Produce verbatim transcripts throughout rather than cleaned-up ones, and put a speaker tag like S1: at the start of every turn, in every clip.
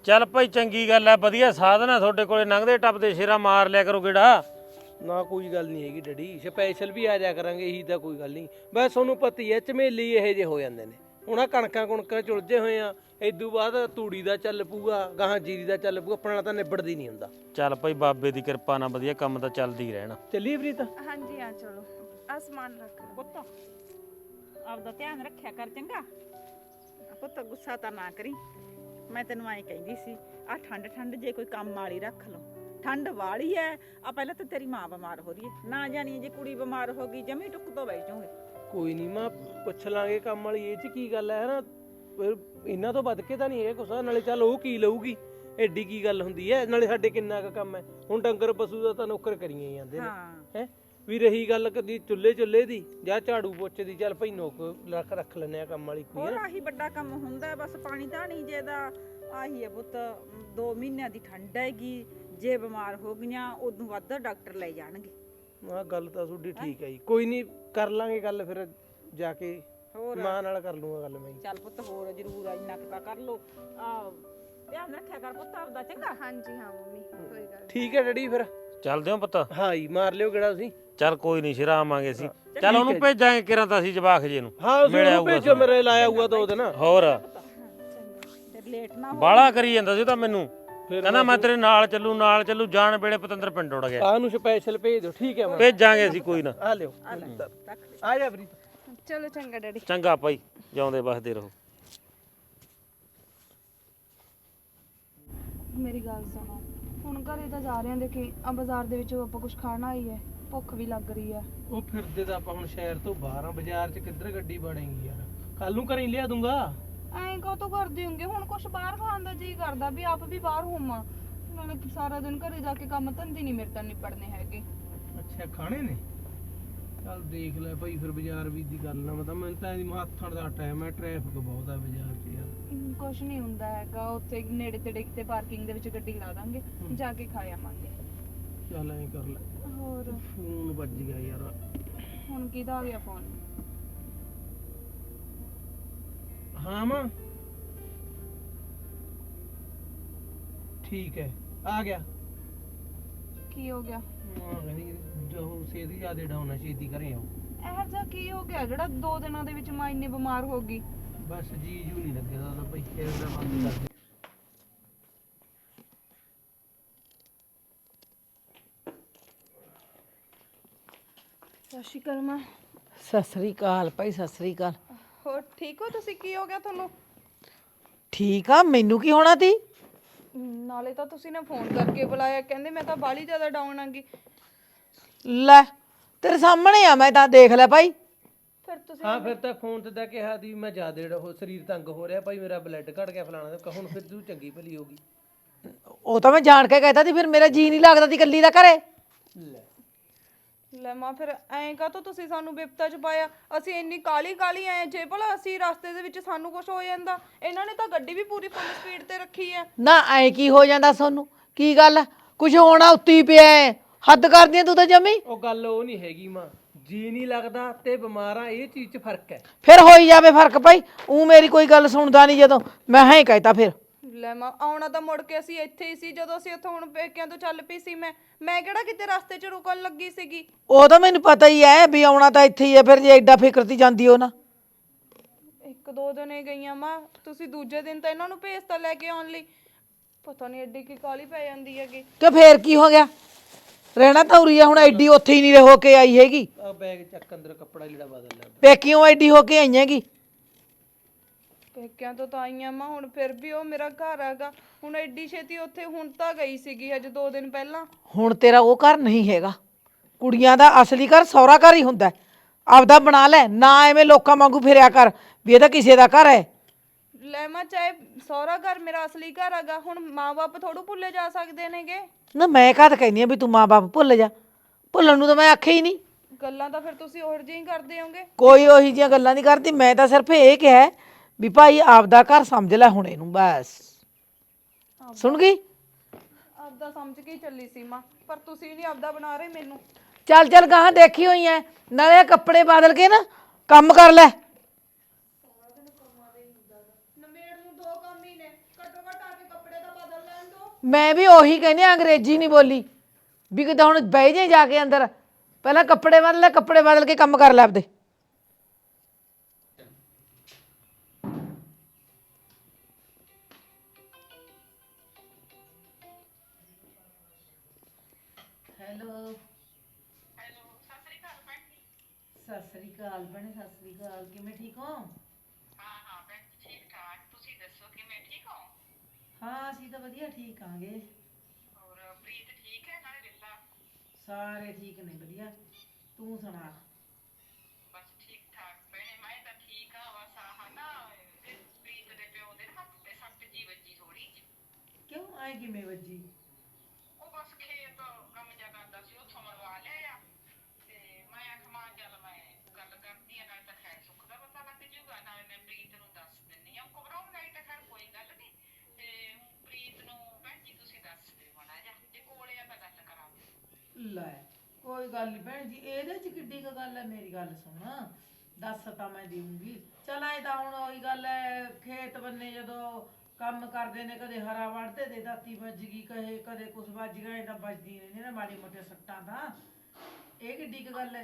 S1: ਚੱਲ ਭਾਈ ਚੰਗੀ ਗੱਲ ਹੈ, ਵਧੀਆ ਸਾਧਨ ਹੈ ਤੁਹਾਡੇ ਕੋਲੇ, ਲੰਘਦੇ ਟੱਪਦੇ ਸ਼ੇਰਾ ਮਾਰ ਲਿਆ ਕਰੋ ਗੇੜਾ।
S2: ਨਾ ਕੋਈ ਗੱਲ ਨਹੀਂ ਹੈਗੀ ਡੈਡੀ, ਸਪੈਸ਼ਲ ਵੀ ਆ ਜਾ ਕਰਾਂਗੇ, ਇਹੀ ਤਾਂ ਕੋਈ ਗੱਲ ਨਹੀਂ। ਬਸ ਤੁਹਾਨੂੰ ਪਤਾ ਹੀ ਹੈ ਝਮੇਲੀ ਇਹੋ ਜਿਹੇ ਹੋ ਜਾਂਦੇ ਨੇ। ਹੁਣ ਆਹ ਕਣਕਾਂ ਕੁਣਕਾਂ ਚੁਲਝੇ ਹੋਏ ਆ, ਇਦੋਂ ਬਾਅਦ ਤੂੜੀ ਦਾ ਚੱਲ ਪੂਗਾ, ਗਾਹਾਂ ਜੀਰੀ ਦਾ ਚੱਲ ਪੂਗਾ, ਆਪਣਾ ਤਾਂ ਨਿਬੜਦੀ ਨਹੀਂ ਹੁੰਦਾ।
S1: ਚੱਲ ਭਾਈ ਬਾਬੇ ਦੀ ਕਿਰਪਾ ਨਾਲ ਵਧੀਆ ਕੰਮ ਤਾਂ ਚੱਲਦੀ ਹੀ ਰਹਿਣਾ।
S2: ਚੱਲੀਏ ਪ੍ਰੀਤ?
S3: ਹਾਂਜੀ ਆ ਚਲੋ, ਆ ਸਮਾਨ ਰੱਖ
S4: ਪੁੱਤ ਆਪਦਾ ਧਿਆਨ ਰੱਖਿਆ ਕਰ ਚੰਗਾ। ਪੁੱਤ ਗੁੱਸਾ ਤਾਂ ਨਾ ਕਰੀ, ਮੈਂ ਤੈਨੂੰ ਐਂ ਕਹਿੰਦੀ ਸੀ ਆ ਠੰਡ ਠੰਡ ਜੇ ਕੋਈ ਕੰਮ ਵਾਲੀ ਰੱਖ ਲਓ। ਠੰਡ ਵਾਲੀ ਐ, ਆ ਪਹਿਲਾਂ ਤਾਂ ਤੇਰੀ ਮਾਂ ਬਿਮਾਰ ਹੋ ਰਹੀ ਹੈ, ਨਾ ਜਾਣੀ ਜੇ ਕੁੜੀ ਬਿਮਾਰ ਹੋ ਗਈ ਜਮੀ ਟੁੱਕ ਤੋਂ ਬਹਿ ਜਾਓਗੇ।
S2: ਕੋਈ ਨਹੀਂ ਮਾਂ, ਪੁੱਛ ਲਾਂਗੇ ਕੰਮ ਵਾਲੀ, ਇਹ 'ਚ ਕੀ ਗੱਲ ਹੈ ਨਾ, ਫਿਰ ਇਹਨਾਂ ਤੋਂ ਵੱਧ ਕੇ ਤਾਂ ਨਹੀਂ ਇਹ ਕੁਛ। ਨਾਲੇ ਚੱਲ ਉਹ ਕੀ ਲਊਗੀ, ਐਡੀ ਕੀ ਗੱਲ ਹੁੰਦੀ ਹੈ, ਨਾਲੇ ਸਾਡੇ ਕਿੰਨਾ ਕੁ ਕੰਮ ਹੈ। ਹੁਣ ਡੰਗਰ ਪਸ਼ੂ ਦਾ ਤਾਂ ਨੌਕਰ ਕਰੀਏ ਜਾਂਦੇ ਨੇ ਹੈ। ਵੀ ਰਹੀ ਗੱਲ ਕਦੀ ਚੁੱਲ੍ਹੇ ਚੁੱਲ੍ਹੇ ਦੀ ਜਾਂ ਝਾੜੂ ਪੋਚੇ ਦੀ, ਚੱਲ ਭਾਈ ਨੋਕ ਰੱਖ ਰੱਖ ਲੈਂਦੇ ਆ ਕੰਮ ਵਾਲੀ ਕੋਈ।
S4: ਹੋਰ ਆਹੀ ਵੱਡਾ ਕੰਮ ਹੁੰਦਾ, ਬਸ ਪਾਣੀ ਧਾਣੀ ਜੇ ਦਾ ਆਹੀ ਹੈ ਪੁੱਤ। ਦੋ ਮਹੀਨਿਆਂ ਦੀ ਠੰਡ ਹੈਗੀ, ਜੇ ਬਿਮਾਰ ਹੋ ਗਈਆਂ ਉਦੋਂ ਵੱਧ ਡਾਕਟਰ ਲੈ ਜਾਣਗੇ।
S2: ਆਹ ਗੱਲ ਤਾਂ ਤੁਹਾਡੀ ਠੀਕ ਹੈ ਜੀ, ਕੋਈ ਨਹੀਂ ਕਰ ਲਾਂਗੇ ਗੱਲ ਫਿਰ ਜਾ ਕੇ,
S4: ਹੋਰ
S2: ਮਾਂ ਨਾਲ ਕਰ ਲੂੰਗਾ ਗੱਲ ਮੈਂ।
S4: ਚੱਲ ਪੁੱਤ ਹੋਰ ਜ਼ਰੂਰ ਇੰਨਾ ਕੁ ਤਾਂ ਕਰ ਲੋ। ਆ ਧਿਆਨ ਰੱਖਿਆ ਕਰ ਪੁੱਤ ਆਪਦਾ ਚੰਗਾ।
S3: ਹਾਂਜੀ ਹਾਂ ਮੰਮੀ, ਕੋਈ ਗੱਲ
S2: ਠੀਕ ਹੈ ਡੈਡੀ ਫਿਰ
S1: ਚੱਲਦੇ ਹੋ ਪੁੱਤ?
S2: ਹਾਂ ਜੀ, ਮਾਰ ਲਿਓ ਕਿਹੜਾ ਤੁਸੀਂ।
S1: ਚੱਲ ਕੋਈ ਨਹੀਂ ਸ਼ੇਰਾ ਆਵਾਂਗੇ ਅਸੀਂ। ਚੱਲ ਉਹਨੂੰ ਭੇਜਾਂਗੇ ਕਿਰਾਂ ਤਾਂ ਅਸੀਂ ਜਵਾਖ ਜੇ ਨੂੰ।
S2: ਹਾਂ ਉਹਨੂੰ ਭੇਜੋ, ਮੇਰੇ ਲਾਇਆ ਹੋਊਗਾ ਦੋ ਦਿਨ
S1: ਹੋਰ
S4: ਤੇ ਲੇਟ ਨਾ ਹੋ।
S1: ਬਾਲਾ ਕਰੀ ਜਾਂਦਾ ਸੀ ਤਾਂ ਮੈਨੂੰ, ਕਹਿੰਦਾ ਮੈਂ ਤੇਰੇ ਨਾਲ ਚੱਲੂ ਨਾਲ ਚੱਲੂ, ਜਾਣ ਵੇਲੇ ਪਤੰਦਰ ਪਿੰਡ ਉੜ ਗਿਆ।
S2: ਆਹ ਨੂੰ ਸਪੈਸ਼ਲ ਭੇਜ ਦਿਓ। ਠੀਕ ਹੈ ਮਾਂ,
S1: ਭੇਜਾਂਗੇ ਅਸੀਂ ਕੋਈ ਨਾ।
S2: ਆ ਲਿਓ, ਆ ਜਾ ਪ੍ਰੀਤ।
S3: ਚਲੋ ਚੰਗਾ ਡੈਡੀ।
S1: ਚੰਗਾ ਭਾਈ, ਜਿਉਂਦੇ ਵਸਦੇ ਰਹੋ।
S5: ਮੇਰੀ ਗੱਲ ਸੁਣੋ, ਹੁਣ ਘਰੇ ਤਾਂ ਜਾ ਰਹੇ ਆਂ, ਦੇਖੀ ਆ ਬਾਜ਼ਾਰ ਦੇ ਵਿੱਚ ਆਪਾਂ ਕੁਝ ਖਾਣਾ ਹੀ ਹੈ, ਭੁੱਖ ਵੀ ਲੱਗ ਰਹੀ ਹੈ।
S2: ਉਹ ਫਿਰਦੇ ਤਾਂ ਆਪਾਂ ਹੁਣ ਸ਼ਹਿਰ ਤੋਂ ਬਾਹਰ ਆ, ਬਾਜ਼ਾਰ 'ਚ ਕਿੱਧਰ ਗੱਡੀ ਬਣੇਗੀ ਯਾਰ, ਕੱਲ ਨੂੰ ਘਰੇ ਲਿਆ ਦੂੰਗਾ।
S5: ਐਂ ਕਾਹਤੋਂ ਕਰਦੇ ਹੋਗੇ, ਹੁਣ ਕੁਝ ਬਾਹਰ ਖਾਣ ਦਾ ਜੀ ਕਰਦਾ ਵੀ ਆਪ ਵੀ ਬਾਹਰ ਹੋਵਾਂ, ਨਾਲੇ ਸਾਰਾ ਦਿਨ ਘਰੇ ਜਾ ਕੇ ਕੰਮ ਧੰਦੇ ਨਹੀਂ ਮੇਰੇ ਤਾਂ ਨਿਪੜਨੇ ਹੈਗੇ।
S2: ਅੱਛਾ ਖਾਣੇ ਨੇ, ਚੱਲ ਦੇਖ ਲੈ ਭਾਈ ਫਿਰ ਬਾਜ਼ਾਰ ਵੀ ਦੀ ਗੱਲ ਨਾ, ਮਤਲਬ ਮੈਨੂੰ ਤਾਂ ਇਹਦੀ ਹੱਥਾਂ ਦਾ ਟਾਈਮ ਹੈ, ਟ੍ਰੈਫਿਕ ਬਹੁਤ ਹੈ ਬਾਜ਼ਾਰ 'ਚ ਯਾਰ।
S5: ਕੁਝ ਨਹੀਂ ਹੁੰਦਾ ਹੈਗਾ, ਉੱਥੇ ਨੇੜੇ ਤੇੜੇ ਕਿਤੇ ਪਾਰਕਿੰਗ ਦੇ ਵਿੱਚ ਗੱਡੀ ਲਾ ਦਾਂਗੇ, ਜਾ ਕੇ ਖਾ ਆਵਾਂਗੇ।
S2: ਚੱਲ ਐਂ ਕਰ ਲੈ।
S5: ਹੋਰ
S2: ਫੋਨ ਵੱਜ ਗਿਆ ਯਾਰ,
S5: ਹੁਣ ਕਿਹਦਾ ਆ ਗਿਆ ਫੋਨ?
S2: ਹਾਂ ਮਾਂ ਠੀਕ ਹੈ, ਆ ਗਿਆ।
S5: ਕੀ ਹੋ ਗਿਆ?
S2: ਮਾਂ ਕਹਿੰਦੀ ਜੋ ਸੇਧ ਜਿਆਦਾ ਡਾਉਣਾ ਛੇਤੀ ਕਰੇ ਆਓ।
S5: ਇਹ ਜਿਹਾ ਕੀ ਹੋ ਗਿਆ ਜਿਹੜਾ ਦੋ ਦਿਨਾਂ ਦੇ ਵਿੱਚ ਮਾਂ ਇੰਨੀ ਬਿਮਾਰ ਹੋ ਗਈ?
S2: ਬਸ ਜੀ ਜੂ ਨਹੀਂ ਲੱਗਦਾ ਤਾਂ ਭਾਈ, ਫਿਰ ਦਾ ਬੰਦ ਕਰ ਦੇ।
S5: ਸਤਿ ਸ਼੍ਰੀ ਅਕਾਲ ਮਾਂ।
S6: ਸਤਿ ਸ੍ਰੀ ਅਕਾਲ ਭਾਈ, ਸਤਿ ਸ੍ਰੀ ਅਕਾਲ।
S5: ਹੋਰ ਠੀਕ ਹੋ ਤੁਸੀਂ? ਕੀ ਹੋ ਗਿਆ ਤੁਹਾਨੂੰ?
S6: ਠੀਕ ਆ, ਮੈਨੂੰ ਕੀ ਹੋਣਾ ਤੀ?
S5: ਨਾਲੇ ਤਾਂ ਤੁਸੀਂ ਨੇ ਫੋਨ ਕਰਕੇ ਬੁਲਾਇਆ, ਕਹਿੰਦੇ ਮੈਂ ਤਾਂ ਬਾਲੀ ਜ਼ਿਆਦਾ ਡਾਊਨ ਆਂਗੀ।
S6: ਲੈ ਤੇਰੇ ਸਾਹਮਣੇ ਆ, ਮੈਂ ਤਾਂ ਦੇਖ ਲੈ ਭਾਈ।
S5: ਫਿਰ ਤੁਸੀਂ
S2: ਹਾਂ ਫਿਰ ਤਾਂ ਫੋਨ ਤੇ ਤਾਂ ਕਿਹਾ ਦੀ ਮੈਂ ਜ਼ਿਆਦਾ ਉਹ ਸਰੀਰ ਤੰਗ ਹੋ ਰਿਹਾ ਭਾਈ, ਮੇਰਾ ਬਲੱਡ ਘਟ ਗਿਆ ਫਲਾਣਾ, ਹੁਣ ਫਿਰ ਤੂੰ ਚੰਗੀ ਭਲੀ ਹੋ ਗਈ।
S6: ਉਹ ਤਾਂ ਮੈਂ ਜਾਣ ਕੇ ਕਹਿਤਾ ਸੀ, ਫਿਰ ਮੇਰਾ ਜੀ ਨਹੀਂ ਲੱਗਦਾ ਸੀ ਇਕੱਲੀ ਦਾ ਘਰੇ।
S2: ਲੈ
S5: ਲੈ ਮਾਂ, ਫਿਰ ਐਂ ਕਾਹਤੋਂ ਤੁਸੀਂ ਸਾਨੂੰ ਬਿਪਤਾ ਚ ਪਾਇਆ? ਅਸੀਂ ਇੰਨੀ ਕਾਲੀ ਕਾਲੀ ਆਏ, ਜੇ ਭਲਾ ਅਸੀਂ ਰਸਤੇ ਦੇ ਵਿੱਚ ਸਾਨੂੰ ਕੁਝ ਹੋ ਜਾਂਦਾ। ਇਹਨਾਂ ਨੇ ਤਾਂ ਗੱਡੀ ਵੀ ਪੂਰੀ ਫੁੱਲ ਸਪੀਡ ਤੇ ਰੱਖੀ ਹੈ।
S6: ਨਾ ਐ ਕੀ ਹੋ ਜਾਂਦਾ ਸੋਨੂੰ? ਕੀ ਗੱਲ ਕੁਝ ਹੋਣਾ ਉੱਤੀ ਪਿਆ ਐ, ਹੱਦ ਕਰਦੀ ਐ ਤੂੰ ਤਾਂ ਜਮੀ।
S2: ਉਹ ਗੱਲ ਉਹ ਨਹੀਂ ਹੈਗੀ ਮਾਂ, ਜੀ ਨਹੀਂ ਲੱਗਦਾ ਤੇ ਬਿਮਾਰਾਂ, ਇਹ ਚੀਜ਼ 'ਚ ਫਰਕ ਹੈ।
S6: ਫਿਰ ਹੋਈ ਜਾਵੇ ਫਰਕ ਭਾਈ, ਉਹ ਮੇਰੀ ਕੋਈ ਗੱਲ ਸੁਣਦਾ ਨਹੀਂ, ਜਦੋਂ ਮੈਂ ਹਾਂ ਹੀ ਕਹਿਤਾ ਫਿਰ।
S5: ਲੈ ਮਾਂ, ਆਉਣਾ ਤਾਂ ਮੁੜ ਕੇ ਅਸੀਂ ਇੱਥੇ ਹੀ ਸੀ, ਜਦੋਂ ਅਸੀਂ ਉੱਥੋਂ ਹੁਣ ਪੇਕਿਆਂ ਤੋਂ ਚੱਲ ਪਈ ਸੀ। ਮੈਂ ਮੈਂ ਕਿਹੜਾ ਕਿਤੇ ਰਸਤੇ 'ਚ ਰੁਕਣ ਲੱਗੀ ਸੀਗੀ।
S6: ਉਹ ਤਾਂ ਮੈਨੂੰ ਪਤਾ ਹੀ ਐ ਵੀ ਆਉਣਾ ਤਾਂ ਇੱਥੇ ਹੀ ਐ, ਫਿਰ ਜੇ ਐਡਾ ਫਿਕਰ ਤੀ ਜਾਂਦੀ ਉਹ ਨਾ।
S5: ਇੱਕ ਦੋ ਦਿਨ ਹੀ ਗਈਆਂ ਮਾਂ, ਤੁਸੀਂ ਦੂਜੇ ਦਿਨ ਤਾਂ ਇਹਨਾਂ ਨੂੰ ਭੇਜਤਾ ਲੈ ਕੇ ਆਉਣ ਲਈ। ਪਤਾ ਨਹੀਂ ਐਡੀ ਕੀ ਕਾਲੀ ਪੈ ਜਾਂਦੀ ਹੈਗੀ।
S6: ਕਿ ਫੇਰ ਕੀ ਹੋ ਗਿਆ, ਰਹਿਣਾ ਤਾਂ ਉਰੀ ਆ, ਹੁਣ ਐਡੀ ਉੱਥੇ ਹੀ ਨਹੀਂ ਹੋ ਕੇ ਆਈ ਹੈਗੀ।
S2: ਆ ਬੈਗ ਚੱਕ, ਅੰਦਰ ਕੱਪੜਾ ਲੀੜਾ ਬਦਲ ਲੈ।
S6: ਪੇਕਿਓਂ ਐਡੀ ਹੋ ਕੇ ਆਈ ਹੈਗੀ।
S5: ਪੇਕਿਆਂ ਤੋਂ ਤਾਂ ਆਈਆਂ ਮਾਂ, ਹੁਣ ਫਿਰ ਵੀ ਉਹ ਮੇਰਾ ਘਰ ਹੈਗਾ। ਹੁਣ ਐਡੀ ਛੇਤੀ ਉੱਥੇ ਹੁਣ ਤਾਂ ਗਈ ਸੀਗੀ ਹਜੇ ਦੋ ਦਿਨ ਪਹਿਲਾਂ।
S6: ਹੁਣ ਤੇਰਾ ਉਹ ਘਰ ਨਹੀਂ ਹੈਗਾ, ਕੁੜੀਆਂ ਦਾ ਅਸਲੀ ਘਰ ਸਹੁਰਾ ਘਰ ਹੀ ਹੁੰਦਾ। ਆਪਦਾ ਬਣਾ ਲੈ, ਨਾ ਐਵੇਂ ਲੋਕਾਂ ਵਾਂਗੂ ਫਿਰਿਆ ਕਰ ਵੀ ਇਹ ਤਾਂ ਕਿਸੇ ਦਾ ਘਰ ਹੈ।
S5: ਲੈ ਮਾਂ, ਚਾਹੇ ਸਹੁਰਾ ਘਰ ਮੇਰਾ ਅਸਲੀ ਘਰ ਹੈਗਾ, ਹੁਣ ਮਾਂ-ਬਾਪ ਥੋੜੂ ਭੁੱਲੇ ਜਾ ਸਕਦੇ ਨੇਗੇ।
S6: ਨਾ ਮੈਂ ਕਦ ਕਹਿੰਦੀ ਆ ਵੀ ਤੂੰ ਮਾਂ-ਬਾਪ ਭੁੱਲ ਜਾ, ਭੁੱਲਣ ਨੂੰ ਤਾਂ ਮੈਂ ਆਖਿਆ ਹੀ ਨਹੀਂ।
S5: ਗੱਲਾਂ ਤਾਂ ਫਿਰ ਤੁਸੀਂ ਉਹੋ ਜਿਹੀਆਂ ਹੀ ਕਰਦੇ ਹੋਗੇ।
S6: ਕੋਈ ਉਹੀ ਜਿਹੀਆਂ ਗੱਲਾਂ ਨਹੀਂ ਕਰਦੀ, ਮੈਂ ਤਾਂ ਸਿਰਫ ਇਹ ਕਿਹਾ ਵੀ ਭਾਈ ਆਪਦਾ ਘਰ ਸਮਝ ਲੈ ਹੁਣ ਇਹਨੂੰ, ਬਸ। ਸੁਣ ਗਈ?
S5: ਆਪਦਾ ਸਮਝ ਕੇ ਹੀ ਚੱਲੀ ਸੀ ਮਾਂ, ਪਰ ਤੁਸੀਂ ਨਹੀਂ ਆਪਦਾ ਬਣਾ ਰਹੇ ਮੈਨੂੰ।
S6: ਚੱਲ ਚੱਲ ਗਾਹਾਂ ਦੇਖੀ ਹੋਈ ਐ, ਨਾਲੇ ਕੱਪੜੇ ਬਦਲ ਕੇ ਨਾ ਕੰਮ ਕਰ ਲੈ।
S5: ਨਮੇੜ ਨੂੰ ਦੋ ਕੰਮ ਹੀ ਨੇ, ਘੱਟੋ ਘੱਟ ਆ ਕੇ ਕੱਪੜੇ ਦਾ
S6: ਮੈਂ ਵੀ ਉਹੀ ਕਹਿੰਦੀ ਹਾਂ, ਅੰਗਰੇਜ਼ੀ ਨਹੀਂ ਬੋਲੀ ਵੀ ਕਿਤੇ ਹੁਣ ਬਹਿ ਜੇ ਜਾ ਕੇ ਅੰਦਰ, ਪਹਿਲਾਂ ਕੱਪੜੇ ਬਦਲ ਲੈ, ਕੱਪੜੇ ਬਦਲ ਕੇ ਕੰਮ ਕਰ ਲੈ ਆਪਦੇ। ਹੈਲੋ
S4: ਹੈਲੋ, ਸਤਿ ਸ੍ਰੀ ਅਕਾਲ ਭੈਣ ਜੀ।
S6: ਸਤਿ ਸ੍ਰੀ ਅਕਾਲ ਭੈਣੇ, ਸਤਿ ਸ੍ਰੀ ਅਕਾਲ। ਕਿਵੇਂ ਠੀਕ ਹੋ?
S4: ਹਾਂ ਹਾਂ ਭੈਣ ਜੀ, ਠੀਕ ਠਾਕ। ਤੁਸੀਂ ਦੱਸੋ ਕਿਵੇਂ ਠੀਕ ਹੋ?
S6: ਹਾਂ ਅਸੀਂ ਤਾਂ ਵਧੀਆ ਠੀਕ ਆਂਗੇ।
S4: ਹੋਰ ਪ੍ਰੀਤ ਠੀਕ ਹੈ ਨਾਲੇ ਲੀਲਾ?
S6: ਸਾਰੇ ਠੀਕ ਨੇ, ਵਧੀਆ। ਤੂੰ ਸੁਣਾ?
S4: ਬਸ ਠੀਕ ਠਾਕ ਭੈਣੇ, ਮੈਂ ਤਾਂ ਠੀਕ ਆ। ਬਸ ਆਹ ਨਾ ਇਹਦੇ ਪ੍ਰੀਤ ਦੇ ਪਿਓ ਦੇ ਹੱਥ ਤੇ ਸੱਟ ਜੀ ਵੱਜੀ ਥੋੜੀ ਜਿਹੀ।
S6: ਕਿਉਂ ਆਏ ਕਿਵੇਂ ਵੱਜੀ?
S4: ਉਹ ਬਸ ਖੇਤ ਕੰਮ ਜਿਹਾ ਕਰਦਾ ਸੀ, ਉੱਥੋਂ ਮਰਵਾ ਲਿਆ ਆ। ਤੇ ਮੈਂ ਆਖਮਾ ਚੱਲ ਮੈਂ ਗੱਲ ਕਰਦੀ ਆ, ਨਾਲੇ ਤਾਂ ਖੈਰ ਸੁੱਖ ਦਾ ਪਤਾ ਲੱਗ ਜੂਗਾ, ਨਾਲੇ ਮੈਂ ਪ੍ਰੀਤ ਨੂੰ ਦੱਸ ਦਿੰਨੀ ਆ। ਘਬਰਾਉਣ ਵਾਲੀ ਤਾਂ ਖੈਰ ਕੋਈ ਗੱਲ ਨਹੀਂ। ਤੇ ਪ੍ਰੀਤ ਨੂੰ ਭੈਣ ਜੀ ਤੁਸੀਂ ਦੱਸ ਦਿਓ ਮਾੜਾ ਜਿਹਾ, ਜੇ ਕੋਲੇ ਆ ਤਾਂ ਗੱਲ ਕਰਾਂ।
S6: ਲੈ ਕੋਈ ਗੱਲ ਨਹੀਂ ਭੈਣ ਜੀ, ਇਹਦੇ ਚ ਕਿੱਡੀ ਕੁ ਗੱਲ ਹੈ? ਮੇਰੀ ਗੱਲ ਸੁਣ, ਦੱਸ ਤਾਂ ਮੈਂ ਦੇਊਂਗੀ। ਚਲ ਐ ਤਾਂ ਹੁਣ ਉਹੀ ਗੱਲ ਹੈ, ਖੇਤ ਬੰਨੇ ਜਦੋਂ ਕੰਮ ਕਰਦੇ ਨੇ, ਕਦੇ ਹਰਾ ਵੜਦੇ ਤੇ ਦਾਤੀ ਵੱਜ ਗਈ, ਕਹੇ ਕਦੇ ਕੁਛ ਵੱਜ ਗਿਆ, ਇਹ ਤਾਂ ਵੱਜਦੀ ਰਹਿੰਦੀ ਨਾ ਮਾੜੀ ਮੋਟੇ ਸੱਟਾਂ ਤਾਂ। ਇਹ ਕਿੱਡੀ ਕੁ ਗੱਲ ਹੈ?